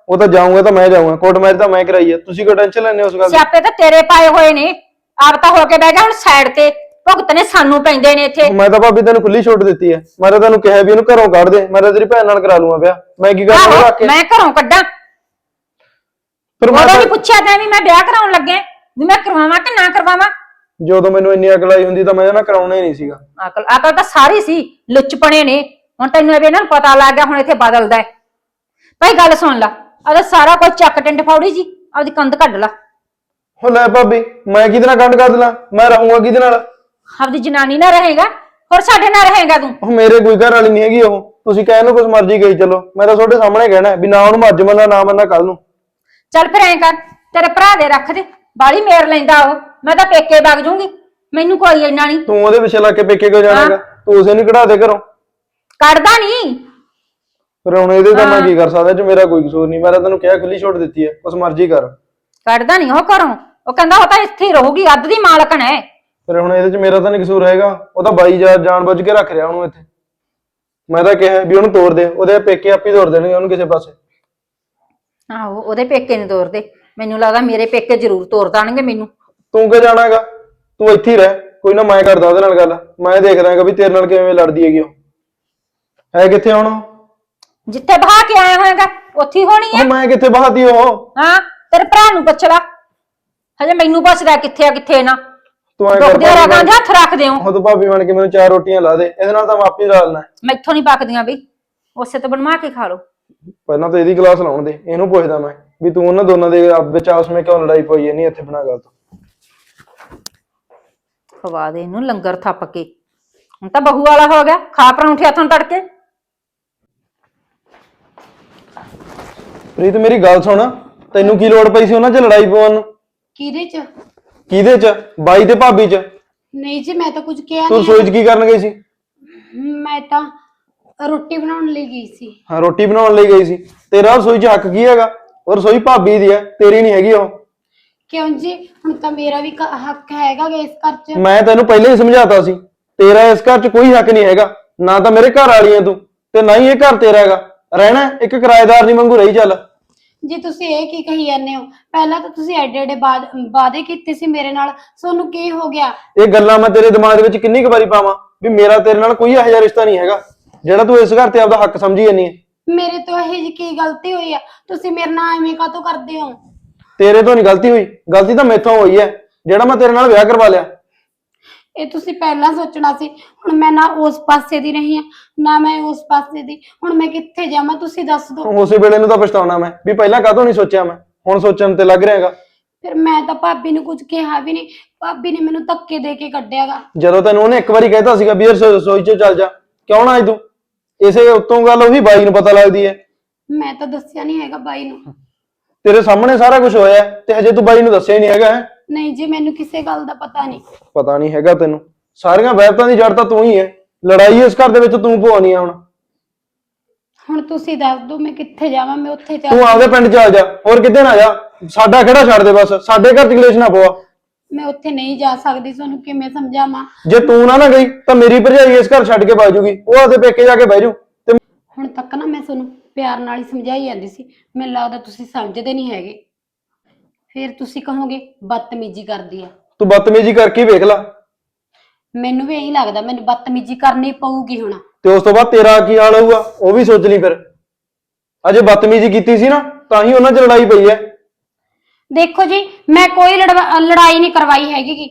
S5: ਉਹ ਤਾਂ ਜਾਊਂਗਾ ਤਾਂ ਮੈਂ ਜਾਊਂਗਾ, ਕੋਰਟ ਮੈਰਿਜ ਤਾਂ ਮੈਂ ਕਰਾਈ ਆ, ਤੁਸੀਂ ਕਿਉਂ ਟੈਨਸ਼ਨ ਲੈਂਦੇ ਹੋ ਉਸ ਗੱਲ ਦੀ?
S1: ਸਿਆਪੇ ਤਾਂ ਤੇਰੇ ਪਾਏ ਹੋਏ ਨੇ, ਆਪ ਤਾਂ ਹੋ ਕੇ ਬਹਿ ਜਾ ਹੁਣ ਸਾਈਡ ਤੇ, ਭੁਗਤਨੇ ਸਾਨੂੰ ਪੈਂਦੇ ਨੇ ਇੱਥੇ।
S5: ਮੈਂ ਤਾਂ ਭਾਬੀ ਤੈਨੂੰ ਖੁੱਲੀ ਛੋਟ ਦਿੱਤੀ ਹੈ, ਮੈਂ ਤਾਂ ਤੈਨੂੰ ਕਿਹਾ ਵੀ ਇਹਨੂੰ ਘਰੋਂ ਕੱਢ ਦੇ, ਮੈਂ ਤਾਂ ਤੇਰੀ ਭੈਣ ਨਾਲ ਕਰਾ ਲੂੰਗਾ ਵਿਆਹ, ਮੈਂ ਕੀ ਕਰਾਂ
S1: ਆਹੋ,
S5: ਰੱਖ ਕੇ?
S1: ਮੈਂ ਘਰੋਂ ਕੱਢਾਂ?
S5: ਫਿਰ ਮੈਂ
S1: ਉਦੋਂ
S5: ਤਾਂ-
S1: ਵੀ ਪੁੱਛਿਆ ਤੈਂ ਵੀ ਮੈਂ ਵਿਆਹ ਕਰਾਉਣ ਲੱਗੇ ਵੀ ਮੈਂ ਕਰਵਾਵਾਂ ਕਿ ਨਾ ਕਰਵਾਵਾਂ?
S5: ਜਦੋਂ ਮੈਨੂੰ ਇੰਨੀ ਅਕਲ ਆਈ ਹੁੰਦੀ ਤਾਂ ਮੈਂ ਇਹਨਾਂ ਕਰਾਉਣਾ ਹੀ ਨਹੀਂ ਸੀਗਾ।
S1: ਅਕਲ ਤਾਂ ਸਾਰੀ ਸੀ, ਲੁੱਚਪਣੇ ਨੇ। ਹੁਣ ਤੈਨੂੰ ਇਹ ਵੀ ਇਹਨਾਂ ਨੂੰ ਪਤਾ ਲੱਗ ਗਿਆ, ਹੁਣ ਇੱਥੇ ਬਦਲਦਾ ਹੈ। ਭਾਈ ਗੱਲ ਸੁਣ ਲਾ, ਉਹਦਾ ਸਾਰਾ ਕੁਝ ਚੱਕ ਟਿੰਡ ਫੌੜੀ ਜੀ, ਆਪਦੀ ਕੰਧ ਕੱਢ ਲਾ।
S5: ਹੋ ਲੈ ਭਾਬੀ, ਮੈਂ ਕਿਹਦੇ ਨਾਲ ਗੰਢ ਕਰ ਦਿਲਾਂ? ਮੈਂ ਰਹੂੰਗਾ ਕਿਹਦੇ ਨਾਲ?
S1: ਆਪਦੀ ਜਨਾਨੀ ਨਾਲ ਰਹੇਗਾ, ਹੋਰ ਸਾਡੇ ਨਾਲ ਰਹੇਗਾ ਤੂੰ?
S5: ਉਹ ਮੇਰੇ ਕੋਈ ਘਰ ਵਾਲੀ ਨਹੀਂ ਹੈਗੀ, ਉਹ ਤੁਸੀਂ ਕਹਿ ਲਓ ਕੁਛ ਮਰਜ਼ੀ ਕਹੀ ਚਲੋ, ਮੈਂ ਤਾਂ ਤੁਹਾਡੇ ਸਾਹਮਣੇ ਕਹਿਣਾ ਵੀ ਨਾ ਉਹਨੂੰ ਅੱਜ ਮੰਨਣਾ ਨਾ ਮੰਨਣਾ ਕੱਲ ਨੂੰ।
S1: ਚੱਲ ਫਿਰ ਐਂ ਕਰ, ਤੇਰੇ ਭਰਾ ਦੇ ਰੱਖ ਦੇ, ਬਾਲੀ ਮੇਰ ਲੈਂਦਾ ਉਹ, ਮੈਂ ਤਾਂ ਪੇਕੇ ਵਗ ਜੂੰਗੀ, ਮੈਨੂੰ ਕੋਈ ਇੰਨਾ ਨਹੀਂ।
S5: ਤੂੰ ਉਹਦੇ ਪਿੱਛੇ ਲੱਗ ਕੇ ਪੇਕੇ ਕਿਉਂ ਜਾਣਾਗਾ? ਤੂੰ ਉਸੇ ਨੂੰ ਕਢਾ ਦੇ ਘਰੋਂ।
S1: ਕੱਢਦਾ ਨਹੀਂ।
S5: ਫਿਰ ਹੁਣ ਇਹਦੇ ਤਾਂ ਮੈਂ ਕੀ ਕਰ ਸਕਦਾ, ਜੇ ਮੇਰਾ ਕੋਈ ਕਸੂਰ ਨਹੀਂ, ਮੈਂ ਤਾਂ ਤੈਨੂੰ ਕਿਹਾ ਖੁੱਲੀ ਛੋਟ ਦਿੱਤੀ ਹੈ, ਕੁਛ ਮਰਜ਼ੀ ਕਰ।
S1: ਕੱਢਦਾ ਨਹੀਂ ਉਹ ਘਰੋਂ, ਉਹ ਕਹਿੰਦਾ ਉਹ ਤਾਂ ਇੱਥੇ ਹੀ ਰਹੂਗੀ, ਅੱਧ ਦੀ ਮਾਲਕਣ ਹੈ।
S5: ਫਿਰ ਹੁਣ ਇਹਦੇ ਚ ਮੇਰਾ ਤਾਂ ਨਹੀਂ ਕਸੂਰ ਹੈਗਾ, ਉਹ ਤਾਂ ਬਾਈ ਜਾਣ ਬੁੱਝ ਕੇ ਰੱਖ ਰਿਹਾ ਉਹਨੂੰ ਇੱਥੇ। ਮੈਂ ਤਾਂ ਕਿਹਾ ਵੀ ਉਹਨੂੰ ਤੋੜ ਦੇ, ਉਹਦੇ ਪੇਕੇ ਆਪੇ ਤੋੜ ਦੇਣਗੇ ਉਹਨੂੰ ਕਿਸੇ ਪਾਸੇ।
S1: ਆਹੋ, ਉਹਦੇ ਪੇਕੇ ਨਹੀਂ ਤੋਰਦੇ, ਮੈਨੂੰ ਲੱਗਦਾ ਮੇਰੇ ਪੇਕੇ ਜ਼ਰੂਰ ਤੋਰ ਦੇਣਗੇ ਮੈਨੂੰ।
S5: ਤੂੰ ਕਿ ਜਾਣਾਗਾ? ਤੂੰ ਇੱਥੇ ਹੀ ਰਹਿ, ਕੋਈ ਨਾ ਮੈਂ ਕਰਦਾ ਉਹਦੇ ਨਾਲ ਗੱਲ, ਮੈਂ ਦੇਖਦਾ ਹੈਗਾ ਵੀ ਤੇਰੇ ਨਾਲ ਕਿਵੇਂ ਲੜਦੀ ਹੈਗੀ ਉਹ। ਹੈ ਕਿੱਥੇ ਹੁਣ ਉਹ?
S1: ਜਿੱਥੇ ਬਹਾ ਕੇ ਆਇਆ ਹੋਏਗਾ ਉੱਥੇ ਹੀ ਹੋਣੀ ਹੈ।
S5: ਮੈਂ ਕਿੱਥੇ ਬਹਾਤੀ ਉਹ?
S1: ਹਾਂ, ਤੇਰੇ ਭਰਾ ਨੂੰ ਪੁੱਛ ਲਾ, ਹਜੇ ਮੈਨੂੰ ਪੁੱਛਦਾ ਕਿੱਥੇ ਆ ਕਿੱਥੇ ਨਾ।
S5: ਤੂੰ ਐਂ
S1: ਦੁੱਖ ਦੇ
S5: ਭਾਬੀ
S1: ਰਗਾਂ ਦੇ ਹੱਥ ਰੱਖ ਦਿਓ।
S5: ਉਹ ਤੂੰ ਭਾਬੀ ਬਣ ਕੇ ਮੈਨੂੰ 4 ਰੋਟੀਆਂ ਲਾ ਦੇ, ਇਹਦੇ ਨਾਲ ਤਾਂ ਮੈਂ ਆਪੇ ਲਾ ਲੈਣਾ।
S1: ਮੈਥੋਂ ਨਹੀਂ ਪੱਕਦੀਆਂ ਬਈ, ਉਸੇ ਤੋਂ ਬਣਵਾ ਕੇ ਖਾ ਲਓ।
S5: ਪਹਿਲਾਂ ਤਾਂ ਇਹਦੀ ਕਲਾਸ ਲਾਉਣ ਦੇ, ਇਹਨੂੰ ਪੁੱਛਦਾ ਮੈਂ ਵੀ ਤੂੰ ਉਹਨਾਂ ਦੋਨਾਂ ਦੇ ਵਿੱਚ ਆਪਸ ਵਿੱਚ ਕਿਉਂ ਲੜਾਈ ਪਈ ਨਹੀਂ ਇੱਥੇ ਬਣਾ ਗੱਲ।
S1: ਖਵਾ ਦੇ ਇਹਨੂੰ ਲੰਗਰ ਥੱਪ ਕੇ, ਹੁਣ ਤਾਂ ਬਹੂ ਵਾਲਾ ਹੋ ਗਿਆ, ਖਾ ਪਰੌਂਠੇ ਹੱਥੋਂ ਤੜਕੇ।
S5: ਪ੍ਰੀਤ ਮੇਰੀ ਗੱਲ ਸੁਣ, ਤੈਨੂੰ ਕੀ ਲੋੜ ਪਈ ਸੀ ਉਹਨਾਂ 'ਚ ਲੜਾਈ ਪਵਾਉਣ ਨੂੰ?
S3: ਕਿਹਦੇ ਚ?
S5: ਕਿਹਦੇ 'ਚ? ਬਾਈ ਤੇ ਭਾਬੀ 'ਚ।
S3: ਨਹੀਂ ਜੀ, ਮੈਂ ਤਾਂ ਕੁਝ ਕਿਹਾ
S5: ਤੂੰ
S3: ਨਹੀਂ।
S5: ਰਸੋਈ 'ਚ ਕੀ ਕਰਨ ਗਈ ਸੀ?
S3: ਮੈਂ ਤਾਂ ਰੋਟੀ ਬਣਾਉਣ ਲਈ ਗਈ ਸੀ।
S5: ਹਾਂ, ਰੋਟੀ ਬਣਾਉਣ ਲਈ ਗਈ ਸੀ। ਤੇਰਾ ਰਸੋਈ 'ਚ ਹੱਕ ਕੀ ਹੈਗਾ? ਉਹ ਰਸੋਈ ਭਾਬੀ ਦੀ ਹੈ, ਤੇਰੀ ਨਹੀਂ ਹੈਗੀ ਉਹ।
S3: ਕਿਉਂ ਜੀ? ਹੁਣ ਤਾਂ ਮੇਰਾ ਵੀ ਹੱਕ ਹੈਗਾ ਗਾ ਇਸ ਘਰ 'ਚ।
S5: ਮੈਂ ਤੈਨੂੰ ਪਹਿਲਾਂ ਹੀ ਸਮਝਾਤਾ ਸੀ, ਤੇਰਾ ਇਸ ਘਰ 'ਚ ਕੋਈ ਹੱਕ ਨਹੀਂ ਹੈਗਾ, ਨਾ ਤਾਂ ਮੇਰੇ ਘਰ ਵਾਲੀ ਹੈ ਤੂੰ, ਤੇ ਨਾ ਹੀ ਇਹ ਘਰ ਤੇਰਾ ਹੈਗਾ। ਰਹਿਣਾ ਇੱਕ ਕਿਰਾਏਦਾਰ ਨਹੀਂ ਵਾਂਗੂ ਰਹੀ ਚੱਲ।
S3: ਜੀ ਤੁਸੀਂ ਇਹ ਕੀ ਕਹੀ ਜਾਂਦੇ ਹੋ? ਪਹਿਲਾਂ ਤਾਂ ਤੁਸੀਂ ਐਡੇ ਐਡੇ ਵਾਅਦੇ ਕੀਤੇ ਸੀ ਮੇਰੇ ਨਾਲ, ਤੁਹਾਨੂੰ ਕੀ ਹੋ ਗਿਆ?
S5: ਇਹ ਗੱਲਾਂ ਮੈਂ ਤੇਰੇ ਦਿਮਾਗ ਵਿੱਚ ਕਿੰਨੀ ਕੁ ਵਾਰੀ ਪਾਵਾਂ ਵੀ ਮੇਰਾ ਤੇਰੇ ਨਾਲ ਕੋਈ ਇਹੋ ਜਿਹਾ ਰਿਸ਼ਤਾ ਨਹੀਂ ਹੈਗਾ ਜਿਹੜਾ ਤੂੰ ਇਸ ਘਰ ਤੇ ਆਪਦਾ ਹੱਕ ਸਮਝੀ ਜਾਂਦੀ ਹੈ।
S3: ਮੇਰੇ ਤੋਂ ਇਹ ਜੀ ਕੀ ਗਲਤੀ ਹੋਈ ਆ? ਤੁਸੀਂ ਮੇਰੇ ਨਾਲ ਐਵੇਂ ਕਾਹਤੋਂ ਕਰਦੇ ਹੋ?
S5: ਤੇਰੇ ਤੋਂ ਨਹੀਂ ਗਲਤੀ ਹੋਈ, ਗਲਤੀ ਤਾਂ ਮੈਥੋਂ ਹੋਈ ਹੈ ਜਿਹੜਾ ਮੈਂ ਤੇਰੇ ਨਾਲ ਵਿਆਹ ਕਰਵਾ ਲਿਆ।
S3: ਇਹ ਤੁਸੀਂ ਪਹਿਲਾਂ ਸੋਚਣਾ ਸੀ। ਹੁਣ ਮੈਂ ਨਾ ਉਸ ਪਾਸੇ ਦੀ ਰਹੀ ਆ, ਨਾ ਮੈਂ ਉਸ ਪਾਸੇ ਦੀ, ਹੁਣ ਮੈਂ ਕਿੱਥੇ ਜਾਵਾਂ ਤੁਸੀਂ ਦੱਸ ਦਿਓ।
S5: ਉਸੇ ਵੇਲੇ ਨੂੰ ਤਾਂ ਪਛਤਾਉਣਾ ਮੈਂ ਵੀ ਪਹਿਲਾਂ ਕਾਹਤੋਂ ਨਹੀਂ ਸੋਚਿਆ, ਮੈਂ ਹੁਣ ਸੋਚਣ ਤੇ ਲੱਗ ਰਿਹਾਗਾ।
S3: ਫਿਰ ਮੈਂ ਤਾਂ ਭਾਬੀ ਨੂੰ ਕੁਝ ਕਿਹਾ ਵੀ ਨਹੀਂ, ਭਾਬੀ ਨੇ ਮੈਨੂੰ ਧੱਕੇ ਦੇ ਕੇ ਕੱਢਿਆਗਾ।
S5: ਜਦੋਂ ਤੈਨੂੰ ਉਹਨੇ ਇੱਕ ਵਾਰੀ ਕਹਿਤਾ ਸੀਗਾ ਵੀ ਰਸੋਈ 'ਚ ਚੱਲ ਜਾ, ਕਿਉਂ ਨਾ ਆਈ ਤੂੰ? ਇਸੇ ਉੱਤੋਂ ਗੱਲ ਉਹੀ ਬਾਈ ਨੂੰ ਪਤਾ ਲੱਗਦੀ ਹੈ।
S3: ਮੈਂ ਤਾਂ ਦੱਸਿਆ ਨਹੀਂ ਹੈਗਾ ਬਾਈ ਨੂੰ।
S5: ਤੇਰੇ ਸਾਹਮਣੇ ਸਾਰਾ ਕੁਝ ਹੋਇਆ ਤੇ ਹਜੇ ਤੂੰ ਬਾਈ ਨੂੰ ਦੱਸਿਆ ਹੀ ਨਹੀਂ ਹੈਗਾ।
S3: ਨਹੀਂ ਜੀ, ਮੈਨੂੰ ਕਿਸੇ ਗੱਲ ਦਾ ਪਤਾ ਨਹੀਂ।
S5: ਪਤਾ ਨਹੀਂ ਹੈਗਾ ਤੈਨੂੰ? ਸਾਰੀਆਂ ਵਹਿਤਾਂ ਦੀ ਜੜ ਤਾਂ ਤੂੰ ਹੀ ਹੈ, ਲੜਾਈ ਇਸ ਘਰ ਦੇ ਵਿੱਚ ਤੂੰ ਪਵਾਉਣੀ ਆ।
S3: ਹੁਣ ਤੁਸੀਂ ਦੱਸ ਦਿਓ ਮੈਂ ਕਿੱਥੇ ਜਾਵਾਂ? ਮੈਂ ਉੱਥੇ
S5: ਤੂੰ
S3: ਚੱਲ
S5: ਆਪਦੇ ਪਿੰਡ ਚੱਲ ਜਾ, ਹੋਰ ਕਿਤੇ ਨਾ ਜਾ। ਸਾਡਾ ਖੜਾ ਛੱਡ ਦੇ, ਬਸ ਸਾਡੇ ਘਰ 'ਚ ਕਲੇਸ਼ ਨਾ ਪਵਾ।
S3: ਮੈਂ ਉੱਥੇ ਨਹੀਂ ਜਾ ਸਕਦੀ, ਤੁਹਾਨੂੰ ਕਿਵੇਂ ਸਮਝਾਵਾਂ?
S5: ਜੇ ਤੂੰ ਨਾ ਗਈ ਤਾਂ ਮੇਰੀ ਭਰਜਾਈ ਇਸ ਘਰ ਛੱਡ ਕੇ ਭੱਜ ਜੂਗੀ, ਉਹ ਆਪਦੇ ਪੇਕੇ ਜਾ ਕੇ ਬਹਿ ਜੂ। ਤੇ
S3: ਹੁਣ ਤੱਕ ਨਾ ਮੈਂ ਤੁਹਾਨੂੰ ਪਿਆਰ ਨਾਲ ਹੀ ਸਮਝਾਈ ਜਾਂਦੀ ਸੀ, ਮੈਨੂੰ ਲੱਗਦਾ ਤੁਸੀਂ ਸਮਝਦੇ ਨਹੀਂ ਹੈਗੇ। ਫਿਰ ਤੁਸੀਂ ਕਹੋਗੇ ਬਦਤਮੀਜ਼ੀ ਕਰਦੀ ਆ।
S5: ਤੂੰ ਬਦਤਮੀਜ਼ੀ ਕਰਕੇ ਵੇਖ ਲੈ,
S3: ਮੈਨੂੰ ਵੀ ਇਹੀ ਲੱਗਦਾ, ਮੈਨੂੰ ਬਦਤਮੀਜ਼ੀ ਕਰਨੀ ਪਊਗੀ ਹੁਣ।
S5: ਤੇ ਉਸ ਤੋਂ ਬਾਅਦ ਤੇਰਾ ਕੀ ਹਾਲ ਹੋਊਗਾ ਉਹ ਵੀ ਸੋਚ ਲਈ। ਫਿਰ ਅਜੇ ਬਦਤਮੀਜ਼ੀ ਕੀਤੀ ਸੀ ਨਾ, ਤਾਂ ਹੀ ਉਹਨਾਂ 'ਚ ਲੜਾਈ ਪਈ ਹੈ।
S3: ਦੇਖੋ ਜੀ, ਮੈਂ ਕੋਈ ਲੜਾਈ ਨਹੀਂ ਕਰਵਾਈ ਹੈਗੀ ਗੀ।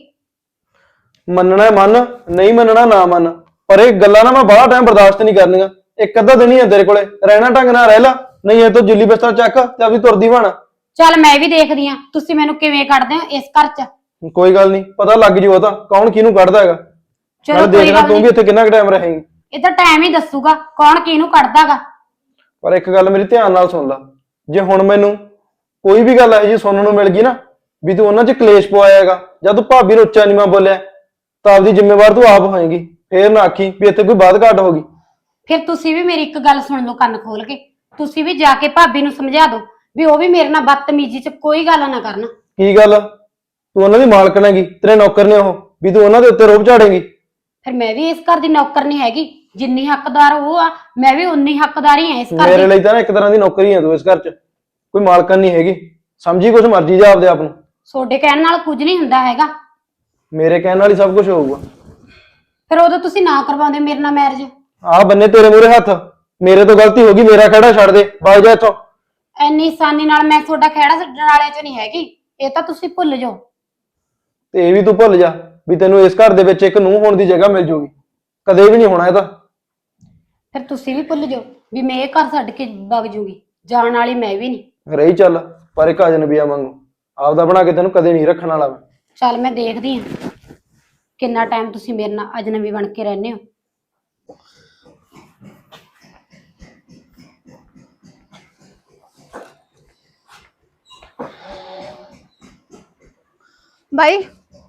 S5: ਮੰਨਣਾ ਮੰਨ, ਨਹੀਂ ਮੰਨਣਾ ਨਾ ਮੰਨ, ਪਰ ਇਹ ਗੱਲਾਂ ਨਾ ਮੈਂ ਬੜਾ ਟਾਈਮ ਬਰਦਾਸ਼ਤ ਨਹੀਂ ਕਰਨੀਆਂ। ਇੱਕ ਅੱਧਾ ਦਿਨ ਹੀ ਹੈ ਤੇਰੇ ਕੋਲੇ, ਰਹਿਣਾ ਢੰਗ ਨਾਲ ਰਹਿ ਲਾ, ਨਹੀਂ ਇਹ ਤੋਂ ਜੁੱਲੀ ਬਿਸਤਰਾ ਚੱਕ ਤੇ ਆਪਦੀ ਤੁਰਦੀ ਬਣ।
S3: ਚੱਲ ਮੈਂ ਵੀ ਦੇਖਦੀ ਆ ਤੁਸੀਂ ਮੈਨੂੰ ਕਿਵੇਂ ਕੱਢਦੇ ਹੋ ਇਸ ਘਰ 'ਚ।
S5: ਕੋਈ ਗੱਲ ਨਹੀਂ, ਪਤਾ ਲੱਗ ਜੂ ਉਹ ਤਾਂ ਕੌਣ ਕਿਹਨੂੰ ਕੱਢਦਾ ਹੈਗਾ।
S3: ਚਲੋ
S5: ਨਾਲੇ
S3: ਕੋਈ
S5: ਦੇਖਣਾ
S3: ਗੱਲ
S5: ਤੂੰ ਵੀ
S3: ਨਹੀਂ,
S5: ਇੱਥੇ ਕਿੰਨਾ ਕੁ ਟਾਈਮ ਰਹੇਂਗੀ।
S3: ਇਹ ਤਾਂ ਟਾਈਮ ਹੀ ਦੱਸੂਗਾ ਕੌਣ ਕਿਹਨੂੰ ਕੱਢਦਾਗਾ।
S5: ਪਰ ਇੱਕ ਗੱਲ ਮੇਰੀ ਧਿਆਨ ਨਾਲ ਸੁਣ ਲੈ, ਜੇ ਹੁਣ ਮੈਨੂੰ ਕੋਈ ਵੀ ਗੱਲ ਇਹੋ ਜਿਹੀ ਸੁਣਨ ਨੂੰ ਮਿਲ ਗਈ ਨਾ ਵੀ ਤੂੰ ਉਹਨਾਂ 'ਚ ਕਲੇਸ਼ ਪਵਾਇਆ ਹੈਗਾ ਜਾਂ ਤੂੰ ਭਾਬੀ ਨੂੰ ਉੱਚਾ ਨੀਵਾਂ ਬੋਲਿਆ, ਤਾਂ ਆਪਦੀ ਜ਼ਿੰਮੇਵਾਰ ਤੂੰ ਆਪ ਹੋਏਗੀ। ਫੇਰ ਨਾ ਆਖੀ ਵੀ ਇੱਥੇ ਕੋਈ ਬਾਤ ਘਾਟ ਹੋ ਗਈ।
S3: ਫਿਰ ਤੁਸੀਂ ਵੀ ਮੇਰੀ ਇੱਕ ਗੱਲ ਸੁਣ ਲਓ ਕੰਨ ਖੋਲ ਕੇ, ਤੁਸੀਂ ਵੀ ਜਾ ਕੇ ਭਾਬੀ ਨੂੰ ਸਮਝਾ ਦਿਓ ਵੀ ਉਹ ਵੀ ਮੇਰੇ ਨਾਲ ਬਦਤਮੀਜ਼ੀ 'ਚ ਕੋਈ ਗੱਲ ਨਾ ਕਰਨ।
S5: ਕੀ ਗੱਲ? ਤੂੰ ਉਹਨਾਂ ਦੀ ਮਾਲਕਣ ਹੈਗੀ, ਤੇਰੇ ਨੌਕਰ ਨੇ ਉਹ, ਵੀ ਤੂੰ ਉਹਨਾਂ ਦੇ ਉੱਤੇ ਰੋਬ ਝਾੜੇਂਗੀ?
S3: ਫਿਰ ਮੈਂ ਵੀ ਇਸ ਘਰ ਦੀ ਨੌਕਰ ਨਹੀਂ ਹੈਗੀ, ਜਿੰਨੀ ਹੱਕਦਾਰ ਉਹ ਆ ਮੈਂ ਵੀ ਉਨੀ ਹੱਕਦਾਰ ਹੀ ਆ ਇਸ ਘਰ
S5: ਮੇਰੇ
S3: ਦੀ।
S5: ਲਈ ਤਾਂ ਨਾ ਇੱਕ ਤਰ੍ਹਾਂ ਦੀ ਨੌਕਰੀ ਹੈ ਤੂੰ ਇਸ ਘਰ 'ਚ। ਕੋਈ ਮਾਲਕਨ ਨਹੀਂ ਹੈਗੀ। ਸਮਝੀ ਕੁਛ ਮਰਜ਼ੀ ਜਾ ਆਪਦੇ ਆਪ ਨੂੰ।
S3: ਤੁਹਾਡੇ ਕਹਿਣ ਨਾਲ ਕੁਝ ਨਹੀਂ ਹੁੰਦਾ ਹੈਗਾ।
S5: ਮੇਰੇ ਕਹਿਣ ਨਾਲ ਹੀ ਸਭ ਕੁਝ ਹੋਊਗਾ।
S3: ਫਿਰ ਉਦੋਂ ਤੁਸੀਂ ਨਾ ਕਰਵਾਉਂਦੇ ਮੇਰੇ ਨਾਲ ਮੈਰਿਜ।
S5: ਆਹ ਬੰਨੇ ਤੇਰੇ ਮੂਹਰੇ ਹੱਥ। ਮੇਰੇ ਤੋਂ ਗਲਤੀ ਹੋ ਗਈ, ਮੇਰਾ ਖਹਿੜਾ ਛੱਡ ਦੇ, ਵਗ ਜਾ ਇੱਥੋਂ।
S3: ਐਨੀ ਆਸਾਨੀ ਨਾਲ ਮੈਂ ਤੁਹਾਡਾ ਖਹਿੜਾ ਛੱਡਣ ਵਾਲੇ ਚ ਨਹੀਂ ਹੈਗੀ, ਇਹ ਤਾਂ ਤੁਸੀਂ ਭੁੱਲ ਜਾਓ।
S5: ਤੇ ਇਹ ਵੀ ਤੂੰ ਭੁੱਲ ਜਾ ਵੀ ਤੈਨੂੰ ਇਸ ਘਰ ਦੇ ਵਿੱਚ ਇੱਕ ਨੂੰਹ ਹੋਣ ਦੀ ਜਗ੍ਹਾ ਮਿਲ ਜੂਗੀ। ਕਦੇ ਵੀ ਨਹੀਂ ਹੋਣਾ ਇਹ ਤਾਂ।
S3: ਫਿਰ ਤੁਸੀਂ ਵੀ ਭੁੱਲ ਜਾਓ ਵੀ ਮੈਂ ਇਹ ਘਰ ਛੱਡ ਕੇ ਵਗ ਜੂਗੀ। ਜਾਣ ਵਾਲੀ ਮੈਂ ਵੀ ਨਹੀਂ।
S5: ਰਹੀ ਚੱਲ ਪਰ ਇੱਕ ਅਜਨਬੀਆ ਵਾਂਗੂ। ਆਪਦਾ ਬਣਾ ਕੇ ਤੈਨੂੰ ਕਦੇ ਨਹੀਂ ਰੱਖਣ ਵਾਲਾ ਮੈਂ।
S3: ਚੱਲ ਮੈਂ ਦੇਖਦੀ ਹਾਂ ਕਿੰਨਾ ਟਾਈਮ ਤੁਸੀਂ ਮੇਰੇ ਨਾਲ ਅਜਨਬੀ ਬਣ ਕੇ ਰਹਿੰਦੇ ਹੋ।
S4: ਬਾਈ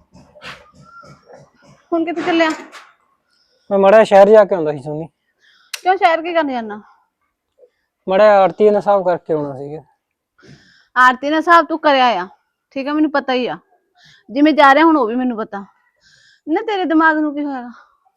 S4: ਹੁਣ ਕਿੱਥੇ ਚੱਲਿਆ?
S2: ਮੈਂ ਮੜਾ ਸ਼ਹਿਰ ਜਾ ਕੇ ਆਉਂਦਾ ਸੀ ਸੋਨੀ।
S4: ਕਿਉਂ ਸ਼ਹਿਰ ਕੀ ਕਰਨ ਜਾਣਾ?
S2: ਮੜਾ ਆਰਤੀ ਨਾਲ ਹਿਸਾਬ ਕਰਕੇ ਆਉਣਾ ਸੀਗਾ।
S4: ਆਰਤੀ ਨਾਲ ਹਿਸਾਬ ਤੂੰ ਕਰਿਆ ਆ, ਠੀਕ ਆ, ਮੈਨੂੰ ਪਤਾ ਹੀ ਆ। ਜਿਵੇਂ ਜਾ ਰਿਹਾ ਹੁਣ ਉਹ ਵੀ ਮੈਨੂੰ ਪਤਾ ਨਾ। ਤੇਰੇ ਦਿਮਾਗ ਨੂੰ ਕੀ ਹੋਇਆ?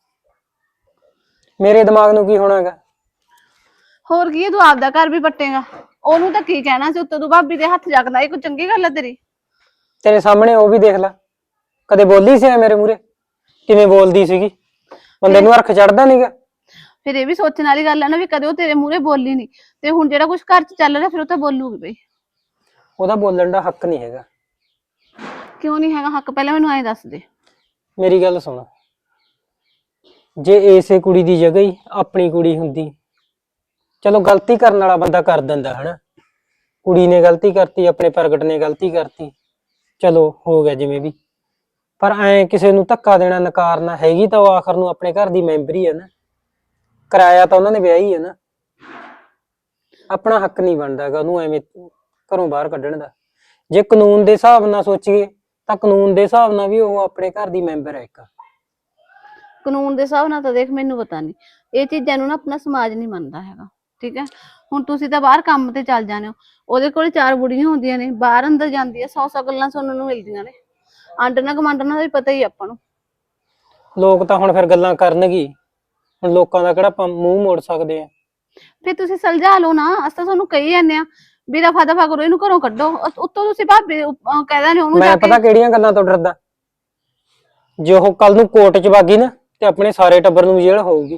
S2: ਮੇਰੇ ਦਿਮਾਗ ਨੂੰ ਕੀ ਹੋਣਾਗਾ?
S4: ਹੋਰ ਕੀ ਹੈ, ਤੂੰ ਆਪਦਾ ਘਰ ਵੀ ਪੱਟੇਗਾ। ਉਹਨੂੰ ਤਾਂ ਕੀ ਕਹਿਣਾ ਸੀ, ਉੱਤੋਂ ਤੂੰ ਭਾਬੀ ਦੇ ਹੱਥ ਜਗਦਾ। ਇਹ ਕੋਈ ਚੰਗੀ ਗੱਲ ਹੈ ਤੇਰੀ?
S2: ਤੇਰੇ ਸਾਹਮਣੇ ਉਹ ਵੀ ਦੇਖ ਲੈ, ਕਦੇ ਬੋਲੀ ਸੀ ਮੇਰੇ ਮੂਹਰੇ? ਕਿਵੇਂ ਬੋਲਦੀ ਸੀਗੀ, ਬੰਦੇ ਨੂੰ ਹਰਖ ਚੜਦਾ ਨਹੀਂਗਾ।
S4: ਫਿਰ ਇਹ ਵੀ ਸੋਚਣ ਵਾਲੀ ਗੱਲ ਹੈ ਨਾ ਵੀ ਕਦੇ ਉਹ ਤੇਰੇ ਮੂਹਰੇ ਬੋਲੀ ਨਹੀਂ, ਤੇ ਹੁਣ ਜਿਹੜਾ ਕੁਝ ਘਰ 'ਚ ਚੱਲ ਰਿਹਾ ਫਿਰ ਉਹ ਤਾਂ ਬੋਲੂਗੀ ਬਈ।
S2: ਉਹਦਾ ਬੋਲਣ ਦਾ ਹੱਕ ਨਹੀਂ ਹੈਗਾ।
S4: ਕਿਉਂ ਨਹੀਂ ਹੈਗਾ ਹੱਕ? ਪਹਿਲਾਂ ਮੈਨੂੰ ਐਂ ਦੱਸ ਦੇ।
S2: ਮੇਰੀ ਗੱਲ ਸੁਣ, ਜੇ ਇਸੇ ਕੁੜੀ ਦੀ ਜਗ੍ਹਾ ਹੀ ਆਪਣੀ ਕੁੜੀ ਹੁੰਦੀ, ਚਲੋ ਗਲਤੀ ਕਰਨ ਵਾਲਾ ਬੰਦਾ ਕਰ ਦਿੰਦਾ ਹਨਾ। ਕੁੜੀ ਨੇ ਗਲਤੀ ਕਰਤੀ, ਆਪਣੇ ਪ੍ਰਗਟ ਨੇ ਗਲਤੀ ਕਰਤੀ, ਚਲੋ ਹੋ ਗਿਆ ਜਿਵੇਂ ਵੀ। ਪਰ ਐ ਕਿਸੇ ਨੂੰ ਧੱਕਾ ਦੇਣਾ, ਨਕਾਰਨਾ, ਹੈਗੀ ਤਾਂ ਉਹ ਆਖਰ ਨੂੰ ਆਪਣੇ ਘਰ ਦੀ ਮੈਂਬਰ ਹੀ ਹੈ ਨਾ। ਕਿਰਾਇਆ ਤਾਂ ਉਹਨਾਂ ਨੇ ਵਿਆਹੀ ਹੈ ਨਾ। ਆਪਣਾ ਹੱਕ ਨਹੀਂ ਬਣਦਾ ਹੈਗਾ ਉਹਨੂੰ ਐਵੇਂ ਘਰੋਂ ਬਾਹਰ ਕੱਢਣ ਦਾ। ਜੇ ਕਾਨੂੰਨ ਦੇ ਹਿਸਾਬ ਨਾਲ ਸੋਚੀਏ ਤਾਂ ਕਾਨੂੰਨ ਦੇ ਹਿਸਾਬ ਨਾਲ ਵੀ ਉਹ ਆਪਣੇ ਘਰ ਦੀ ਮੈਂਬਰ ਹੈ ਇੱਕ।
S4: ਕਾਨੂੰਨ ਦੇ ਹਿਸਾਬ ਨਾਲ ਤਾਂ ਦੇਖ ਮੈਨੂੰ ਪਤਾ ਨਹੀਂ, ਇਹ ਚੀਜ਼ਾਂ ਨੂੰ ਨਾ ਆਪਣਾ ਸਮਾਜ ਨਹੀਂ ਮੰਨਦਾ ਹੈਗਾ, ਠੀਕ ਹੈ। ਹੁਣ ਤੁਸੀਂ ਤਾਂ ਬਾਹਰ ਕੰਮ ਤੇ ਚੱਲ ਜਾਂਦੇ ਹੋ, ਉਹਦੇ ਕੋਲ 4 ਬੁੜੀਆਂ ਹੁੰਦੀਆਂ ਨੇ, ਬਾਹਰ ਅੰਦਰ ਜਾਂਦੀ ਹੈ, 100 ਗੱਲਾਂ ਸੁਣਨ ਨੂੰ ਮਿਲਦੀਆਂ ਨੇ। ਆਂਡਣਾ ਕਮਾਂਡਣਾ ਦਾ ਵੀ ਪਤਾ ਹੀ ਆਪਾਂ ਨੂੰ।
S2: ਲੋਕ ਤਾਂ ਹੁਣ ਫਿਰ ਗੱਲਾਂ ਕਰਨਗੇ। ਹੁਣ ਲੋਕਾਂ ਦਾ ਕਿਹੜਾ ਆਪਾਂ ਮੂੰਹ ਮੋੜ ਸਕਦੇ ਆ?
S4: ਫਿਰ ਤੁਸੀਂ ਸੁਲਝਾ ਲਓ ਨਾ। ਅਸੀਂ ਤਾਂ ਤੁਹਾਨੂੰ ਕਹੀ ਜਾਂਦੇ ਆ ਵੀ ਦਫਾ ਦਫਾ ਕਰੋ, ਇਹਨੂੰ ਘਰੋਂ ਕੱਢੋ। ਉੱਤੋਂ ਤੁਸੀਂ ਭਾਬੀ ਕਹਿਦਾ ਨੇ ਉਹਨੂੰ ਜਾ
S2: ਮੈਂ
S4: ਕੇ।
S2: ਪਤਾ ਕਿਹੜੀਆਂ ਗੱਲਾਂ ਤੋਂ ਡਰਦਾ? ਜੇ ਉਹ ਕੱਲ ਨੂੰ ਕੋਰਟ 'ਚ ਵਾਗੀ ਨਾ ਤੇ ਆਪਣੇ ਸਾਰੇ ਟੱਬਰ ਨੂੰ ਜੇਲ੍ਹ ਹੋਊਗੀ।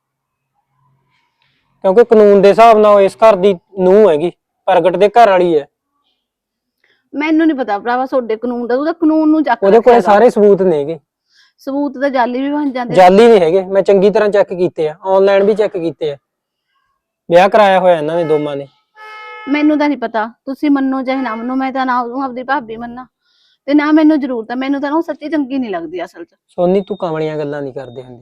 S2: ਕਿਉਂਕਿ ਕਾਨੂੰਨ ਦੇ ਹਿਸਾਬ ਨਾਲ ਉਹ ਇਸ ਘਰ ਦੀ ਨੂੰਹ ਹੈਗੀ, ਪ੍ਰਗਟ ਦੇ ਘਰ ਵਾਲੀ ਹੈ।
S4: ਮੈਨੂੰ ਨਹੀਂ ਪਤਾ ਭਰਾਵਾ ਤੁਹਾਡੇ ਕਾਨੂੰਨ ਦਾ, ਤੂੰ ਤਾਂ ਕਾਨੂੰਨ ਨੂੰ ਚੱਕ
S2: ਉਹਦੇ ਕੋਲੇ
S4: ਰੱਖਿਆ
S2: ਸਾਰੇ ਸਬੂਤ ਨੇਗੇ।
S4: ਸਬੂਤ ਤਾਂ ਜਾਲੀ ਵੀ ਬਣ ਜਾਂਦੇ।
S2: ਜਾਲੀ ਨਹੀਂ ਹੈਗੇ, ਮੈਂ ਚੰਗੀ ਤਰ੍ਹਾਂ ਚੈੱਕ ਕੀਤੇ ਆ, ਆਨਲਾਈਨ ਵੀ ਚੈੱਕ ਕੀਤੇ ਆ। ਵਿਆਹ ਕਰਾਇਆ ਹੋਇਆ ਇਹਨਾਂ ਨੇ ਦੋਵਾਂ ਨੇ।
S4: ਮੈਨੂੰ ਤਾਂ ਨਹੀਂ ਪਤਾ, ਤੁਸੀਂ ਮੰਨੋ ਚਾਹੇ ਨਾ ਮੰਨੋ, ਮੈਂ ਤਾਂ ਨਾ ਉਹਨੂੰ ਆਪਦੀ ਭਾਬੀ ਮੰਨਾਂ ਤੇ ਨਾ ਮੈਨੂੰ ਜ਼ਰੂਰਤ ਆ। ਮੈਨੂੰ ਤਾਂ ਉਹ ਸੱਚੀ ਚੰਗੀ ਨਹੀਂ ਲੱਗਦੀ ਅਸਲ 'ਚ।
S2: ਸੋਨੀ ਤੂੰ ਕਮਲੀਆਂ ਗੱਲਾਂ ਨਹੀਂ ਕਰਦੇ ਹੁੰਦੇ।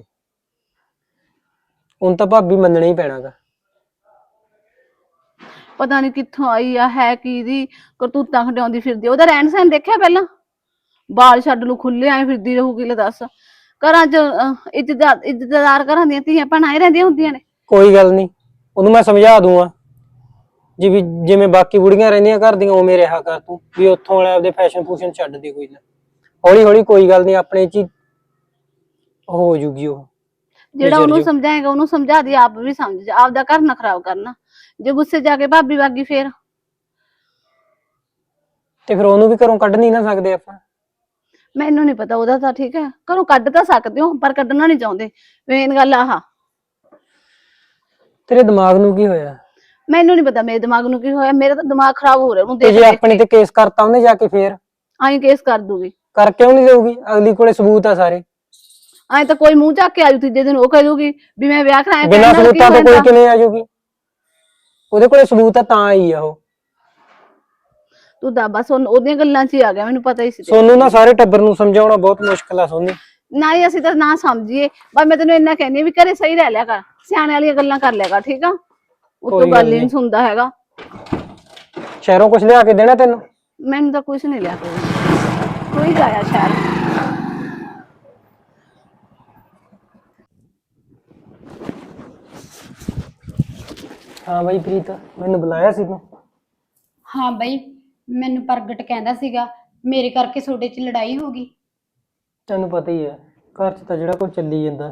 S2: ਹੁਣ ਤਾਂ ਭਾਬੀ ਮੰਨਣਾ ਹੀ ਪੈਣਾਗਾ।
S4: ਪਤਾ ਨਹੀਂ ਕਿੱਥੋਂ ਆਈ ਆ, ਹੈ ਕੀ ਦੀ ਕਰਤੂਤਾਂ ਖਡਾਉਂਦੀ ਫਿਰਦੀ। ਉਹਦਾ ਰਹਿਣ ਸਹਿਣ ਦੇਖਿਆ ਪਹਿਲਾਂ? ਬਾਲ ਛੱਡ ਨੂੰ ਖੁੱਲੇ ਆਏ ਫਿਰਦੀ ਰਹੂਗੀ। ਲੈ ਦੱਸ, ਘਰਾਂ 'ਚ ਇੱਜ਼ਤਦਾਰ ਘਰਾਂ ਦੀਆਂ ਧੀਆਂ ਭੈਣਾਂ ਹੀ ਰਹਿੰਦੀਆਂ ਹੁੰਦੀਆਂ ਨੇ।
S2: ਕੋਈ ਗੱਲ ਨਹੀਂ, ਉਹਨੂੰ ਮੈਂ ਸਮਝਾ ਦੂੰਗਾ। ਜਿਵੇਂ ਬਾਕੀ ਬੁੜੀਆਂ ਰਹਿੰਦੀਆਂ ਘਰ ਦੀਆਂ ਉਵੇਂ ਰਿਹਾ ਕਰ ਤੂੰ ਵੀ। ਉੱਥੋਂ ਵਾਲੇ ਆਪਦੇ ਫੈਸ਼ਨ ਫੂਸ਼ਨ ਛੱਡ ਦੇ ਕੋਈ ਨਾ। ਹੌਲੀ ਹੌਲੀ ਕੋਈ ਗੱਲ ਨਹੀਂ, ਆਪਣੇ 'ਚ ਹੀ ਹੋ ਜੂਗੀ ਉਹ।
S4: ਜਿਹੜਾ ਉਹਨੂੰ ਸਮਝਾਏਗਾ ਉਹਨੂੰ ਸਮਝਾ ਦੀ, ਆਪ ਵੀ ਸਮਝ ਜਾ। ਆਪਦਾ ਘਰ ਨਾ ਖਰਾਬ ਕਰਨਾ। ਜੇ ਗੁੱਸੇ ਜਾ ਕੇ ਭਾਬੀ ਵਾਗੀ ਫੇਰ
S2: ਤੇ ਫਿਰ ਉਹਨੂੰ ਵੀ ਘਰੋਂ ਕੱਢ ਨਹੀਂ ਨਾ ਸਕਦੇ ਆਪਾਂ।
S4: ਮੈਨੂੰ ਨਹੀਂ ਪਤਾ ਉਹਦਾ ਤਾਂ, ਠੀਕ ਹੈ। ਘਰੋਂ ਕੱਢ ਤਾਂ ਸਕਦੇ ਹੋ ਪਰ ਕੱਢਣਾ ਨਹੀਂ ਚਾਹੁੰਦੇ। ਮੇਨ ਗੱਲ ਆਹ।
S2: ਤੇਰੇ ਦਿਮਾਗ ਨੂੰ ਕੀ ਹੋਇਆ?
S4: ਮੈਨੂੰ ਨਹੀਂ ਪਤਾ ਮੇਰੇ ਦਿਮਾਗ ਨੂੰ ਕੀ ਹੋਇਆ। ਮੇਰਾ ਤਾਂ ਦਿਮਾਗ ਖਰਾਬ ਹੋ ਰਿਹਾ ਉਹਨੂੰ
S2: ਤੇ
S4: ਦੇਖ
S2: ਜੇ
S4: ਦੇਖ
S2: ਆਪਣੇ
S4: ਕੇ।
S2: ਤੇ ਕੇਸ ਕਰਤਾ ਉਹਨੇ ਜਾ ਕੇ, ਫੇਰ
S4: ਆਈ ਕੇਸ ਕਰ ਦੂਗੀ।
S2: ਕਰ ਕਿਉਂ ਨਹੀਂ ਦੇਊਗੀ? ਅਗਲੀ ਕੋਲੇ ਸਬੂਤ ਆ ਸਾਰੇ।
S4: ਆਏ ਤਾਂ ਕੋਈ ਮੂੰਹ ਚੱਕ ਕੇ ਆਜੂ ਤੀਜੇ ਦਿਨ ਉਹ ਕਹਿ ਦੂਗੀ ਵੀ ਮੈਂ ਵਿਆਹ ਕਰਾਇਆ।
S2: ਬਿਨਾਂ ਸਬੂਤਾਂ ਤੋਂ ਕੋਈ ਕਿਵੇਂ ਆ ਜਾਊਗੀ? ਉਹਦੇ ਕੋਲੇ ਸਬੂਤ ਆ ਤਾਂ ਆਈ ਆ ਉਹ।
S4: ਤੂੰ ਤਾਂ ਬਸ ਉਹਦੀਆਂ ਗੱਲਾਂ 'ਚ ਹੀ ਆ ਗਿਆ, ਮੈਨੂੰ ਪਤਾ ਹੀ ਸੀ।
S2: ਸੋਨੂੰ ਨਾ ਸਾਰੇ ਟੱਬਰ ਨੂੰ ਸਮਝਾਉਣਾ ਬਹੁਤ ਮੁਸ਼ਕਿਲ ਆ ਸੋਨੀ।
S4: ਨਾ ਹੀ ਅਸੀਂ ਤਾਂ ਨਾ ਸਮਝੀਏ, ਬਸ ਮੈਂ ਤੈਨੂੰ ਇੰਨਾ ਕਹਿੰਦੀ ਵੀ ਘਰੇ ਸਹੀ ਰਹਿ ਲਿਆ ਕਰ, ਸਿਆਣੇ ਵਾਲੀਆਂ ਗੱਲਾਂ ਕਰ ਲਿਆ ਕਰ, ਠੀਕ ਆ। ਉੱਤੋਂ ਗੱਲ ਹੀ ਨਹੀਂ ਸੁਣਦਾ ਹੈਗਾ।
S2: ਸ਼ਹਿਰੋਂ ਕੁਝ ਲਿਆ ਕੇ ਦੇਣਾ ਤੈਨੂੰ?
S4: ਮੈਨੂੰ ਤਾਂ ਕੁਝ ਨਹੀਂ ਲਿਆ ਕੇ ਦੇਣਾ। ਕੋਈ ਜਾਇਆ ਸ਼ਹਿਰ।
S2: ਹਾਂ ਬਾਈ ਪ੍ਰੀਤ, ਮੈਨੂੰ ਬੁਲਾਇਆ ਸੀ ਤੂੰ?
S3: ਹਾਂ ਬਈ, ਮੈਨੂੰ ਪ੍ਰਗਟ ਕਹਿੰਦਾ ਸੀਗਾ ਮੇਰੇ ਕਰਕੇ ਤੁਹਾਡੇ 'ਚ ਲੜਾਈ ਹੋ ਗਈ।
S2: ਤੈਨੂੰ ਪਤਾ ਹੀ ਹੈ ਘਰ 'ਚ ਤਾਂ ਜਿਹੜਾ ਕੁਝ ਚੱਲੀ ਜਾਂਦਾ।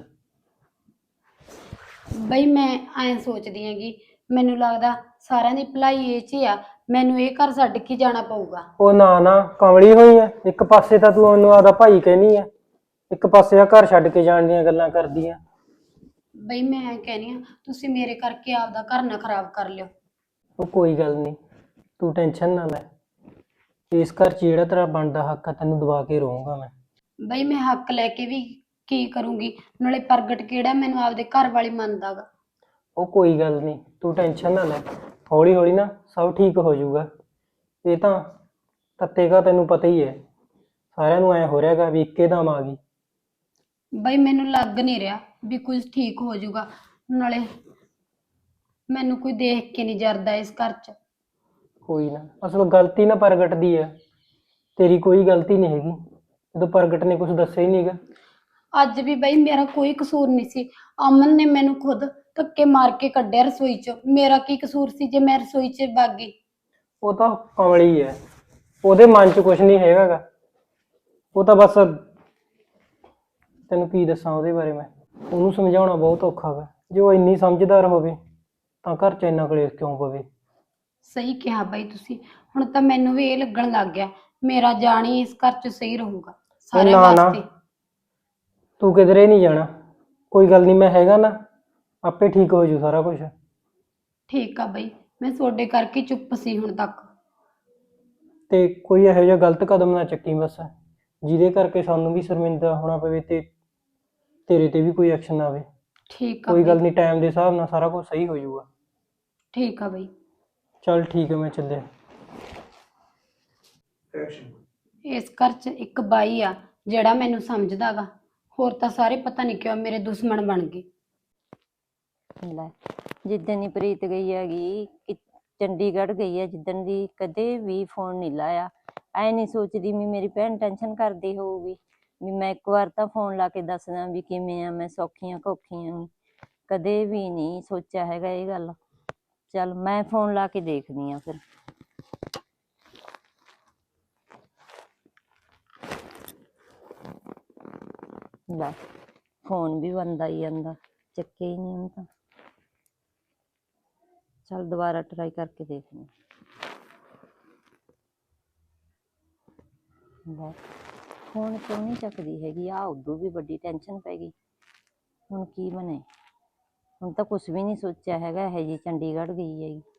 S3: ਬਈ ਮੈਂ ਐਂ ਸੋਚਦੀ ਹੈਗੀ, ਮੈਨੂੰ ਲੱਗਦਾ ਸਾਰਿਆਂ ਦੀ ਭਲਾਈ ਇਹ 'ਚ ਹੀ ਆ ਮੈਨੂੰ ਇਹ ਘਰ ਛੱਡ ਕੇ ਜਾਣਾ ਪਊਗਾ।
S2: ਉਹ ਨਾ ਨਾ ਕਮਲੀ ਹੋਈ ਐ, ਇੱਕ ਪਾਸੇ ਤਾਂ ਤੂੰ ਉਹਨੂੰ ਆਦਾ ਭਾਈ ਕਹਿਨੀ ਐ, ਇੱਕ ਪਾਸੇ ਆ ਘਰ ਛੱਡ ਕੇ ਜਾਣ ਦੀਆਂ ਗੱਲਾਂ ਕਰਦੀ ਆ।
S3: ਬਈ ਮੈਂ ਕਹਿੰਦੀ ਆ ਤੁਸੀਂ ਮੇਰੇ ਕਰਕੇ ਆਪਦਾ ਘਰ ਨਾ ਖਰਾਬ ਕਰ ਲਿਓ।
S2: ਉਹ ਕੋਈ ਗੱਲ ਨਹੀਂ, ਤੂੰ ਟੈਨਸ਼ਨ ਨਾ ਲੈ। ਇਸ ਘਰ 'ਚ ਜਿਹੜਾ ਤੇਰਾ ਬਣਦਾ ਹੱਕ ਆ ਤੈਨੂੰ ਦਵਾ ਕੇ ਰਹੂੰਗਾ ਮੈਂ।
S3: ਬਈ ਮੈਂ ਹੱਕ ਲੈ ਕੇ ਵੀ ਕੀ ਕਰੂੰਗੀ, ਨਾਲੇ ਪ੍ਰਗਟ ਕਿਹੜਾ ਮੈਨੂੰ ਆਪਦੇ ਘਰ ਵਾਲੀ ਮੰਨਦਾਗਾ।
S2: ਉਹ ਕੋਈ ਗੱਲ ਨਹੀਂ, ਤੂੰ ਟੈਨਸ਼ਨ ਨਾ ਲੈ, ਹੌਲੀ ਹੌਲੀ ਨਾ ਸਭ ਠੀਕ ਹੋ ਜਾਊਗਾ। ਇਹ ਤਾਂ ਤੱਤੇਗਾ ਤੈਨੂੰ ਪਤਾ ਹੀ ਹੈ, ਸਾਰਿਆਂ ਨੂੰ ਐ ਹੋ ਰਿਹਾਗਾ ਵੀ ਇੱਕੇ ਦਮ ਆ ਗਈ।
S3: ਬਈ ਮੈਨੂੰ ਲੱਗ ਨਹੀਂ ਰਿਹਾ ਵੀ ਕੁਝ ਠੀਕ ਹੋ ਜਾਊਗਾ, ਨਾਲੇ ਮੈਨੂੰ ਕੋਈ ਦੇਖ ਕੇ ਨਹੀਂ ਜਰਦਾ ਇਸ ਘਰ 'ਚ।
S2: ਕੋਈ ਨਾ, ਅਸਲ ਗਲਤੀ ਨਾ ਪ੍ਰਗਟ ਦੀ ਹੈ, ਤੇਰੀ ਕੋਈ ਗਲਤੀ ਨਹੀਂ ਹੈਗੀ, ਜਦੋਂ ਪ੍ਰਗਟ ਨੇ ਕੁਝ ਦੱਸਿਆ ਹੀ ਨਹੀਂਗਾ।
S3: ਅੱਜ ਵੀ ਬਈ ਮੇਰਾ ਕੋਈ ਕਸੂਰ ਨਹੀਂ ਸੀ, ਅਮਨ ਨੇ ਮੈਨੂੰ ਖੁਦ ਧੱਕੇ ਮਾਰ ਕੇ ਕੱਢਿਆ ਰਸੋਈ 'ਚ। ਮੇਰਾ ਕੀ ਕਸੂਰ ਸੀ ਜੇ ਮੈਂ ਰਸੋਈ 'ਚ ਵਗ ਗਈ?
S2: ਉਹ ਤਾਂ ਕਮਲੀ ਹੈ, ਉਹਦੇ ਮਨ 'ਚ ਕੁਝ ਨਹੀਂ ਹੈਗਾਗਾ। ਉਹ ਤਾਂ ਬਸ, ਤੈਨੂੰ ਕੀ ਦੱਸਾਂ ਉਹਦੇ ਬਾਰੇ ਮੈਂ, ਉਹਨੂੰ ਸਮਝਾਉਣਾ ਬਹੁਤ ਔਖਾ ਗਾ। ਜੇ ਉਹ ਇੰਨੀ ਸਮਝਦਾਰ ਹੋਵੇ ਤਾਂ ਘਰ 'ਚ ਇੰਨਾ ਕਲੇਸ਼ ਕਿਉਂ ਪਵੇ।
S3: ਸਹੀ ਕਿਹਾ ਬਈ ਤੁਸੀਂ, ਹੁਣ ਤਾਂ ਮੈਨੂੰ ਵੀ ਇਹ ਲੱਗਣ ਲੱਗ ਗਿਆ ਮੇਰਾ ਜਾਣੀ ਇਸ ਘਰ 'ਚ ਸਹੀ ਰਹੂਗਾ ਸਾਰਿਆਂ
S2: ਨਾ ਨਾ,
S3: ਵਾਸਤੇ।
S2: ਤੂੰ ਕਿਧਰੇ ਨਹੀਂ ਜਾਣਾ, ਕੋਈ ਗੱਲ ਨਹੀਂ, ਮੈਂ ਹੈਗਾ ਨਾ, ਆਪੇ ਠੀਕ ਹੋ ਜੂ ਸਾਰਾ ਕੁਝ।
S3: ਠੀਕ ਆ ਬਈ, ਮੈਂ ਤੁਹਾਡੇ ਕਰਕੇ ਚੁੱਪ ਸੀ ਹੁਣ ਤੱਕ।
S2: ਤੇ ਕੋਈ ਇਹੋ ਜਿਹਾ ਗਲਤ ਕਦਮ ਨਾ ਚੱਕੀ ਬਸ, ਜਿਹਦੇ ਕਰਕੇ ਸਾਨੂੰ ਵੀ ਸ਼ਰਮਿੰਦਾ ਹੋਣਾ ਪਵੇ ਤੇ ਤੇਰੇ ਤੇ ਵੀ ਕੋਈ ਐਕਸ਼ਨ ਆਵੇ।
S3: ਠੀਕ ਆ
S2: ਕੋਈ ਗੱਲ
S3: ਬਈ,
S2: ਨਹੀਂ, ਟਾਈਮ ਦੇ ਹਿਸਾਬ ਨਾਲ ਸਾਰਾ ਕੁਝ ਸਹੀ ਹੋ ਜਾਊਗਾ।
S3: ਠੀਕ ਆ ਬਈ।
S2: ਚੱਲ ਠੀਕ ਹੈ, ਮੈਂ ਚੱਲਿਆ।
S3: ਇਸ ਘਰ 'ਚ ਇੱਕ ਬਾਈ ਆ ਜਿਹੜਾ ਮੈਨੂੰ ਸਮਝਦਾਗਾ, ਹੋਰ ਤਾਂ ਸਾਰੇ ਪਤਾ ਨਹੀਂ ਕਿਉਂ ਮੇਰੇ ਦੁਸ਼ਮਣ ਬਣ ਗਏ।
S6: ਲੈ, ਜਿੱਦਣ ਦੀ ਪ੍ਰੀਤ ਗਈ ਹੈਗੀ ਚੰਡੀਗੜ੍ਹ ਗਈ ਹੈ, ਜਿੱਦਣ ਦੀ ਕਦੇ ਵੀ ਫੋਨ ਨਹੀਂ ਲਾਇਆ। ਐ ਨਹੀਂ ਸੋਚਦੀ ਵੀ ਮੇਰੀ ਭੈਣ ਟੈਨਸ਼ਨ ਕਰਦੀ ਹੋਊਗੀ ਵੀ ਮੈਂ ਇੱਕ ਵਾਰ ਤਾਂ ਫੋਨ ਲਾ ਕੇ ਦੱਸਦਾ ਵੀ ਕਿਵੇਂ ਆ, ਮੈਂ ਸੌਖੀਆਂ ਘੌਖੀਆਂ। ਕਦੇ ਵੀ ਨਹੀਂ ਸੋਚਿਆ ਹੈਗਾ ਇਹ ਗੱਲ। ਚੱਲ ਮੈਂ ਫੋਨ ਲਾ ਕੇ ਦੇਖਦੀ ਆ ਫਿਰ। ਲੈ, ਫੋਨ ਵੀ ਬੰਦ ਆਈ ਜਾਂਦਾ, ਚੱਕੇ ਹੀ ਨਹੀਂ ਹੁਣ ਤਾਂ। ਚੱਲ ਦੁਬਾਰਾ ਟਰਾਈ ਕਰਕੇ ਦੇਖਦੇ ਹਾਂ। ਲੈ, ਫੋਨ ਕਿਉਂ ਨਹੀਂ ਚੱਕਦੀ ਹੈਗੀ ਆ? ਉਦੋਂ ਵੀ ਵੱਡੀ ਟੈਨਸ਼ਨ ਪੈ ਗਈ, ਹੁਣ ਕੀ ਬਣੇ? ਹੁਣ ਤਾਂ ਕੁਛ ਵੀ ਨਹੀਂ ਸੋਚਿਆ ਹੈਗਾ, ਇਹ ਜੀ ਚੰਡੀਗੜ੍ਹ ਗਈ ਹੈਗੀ।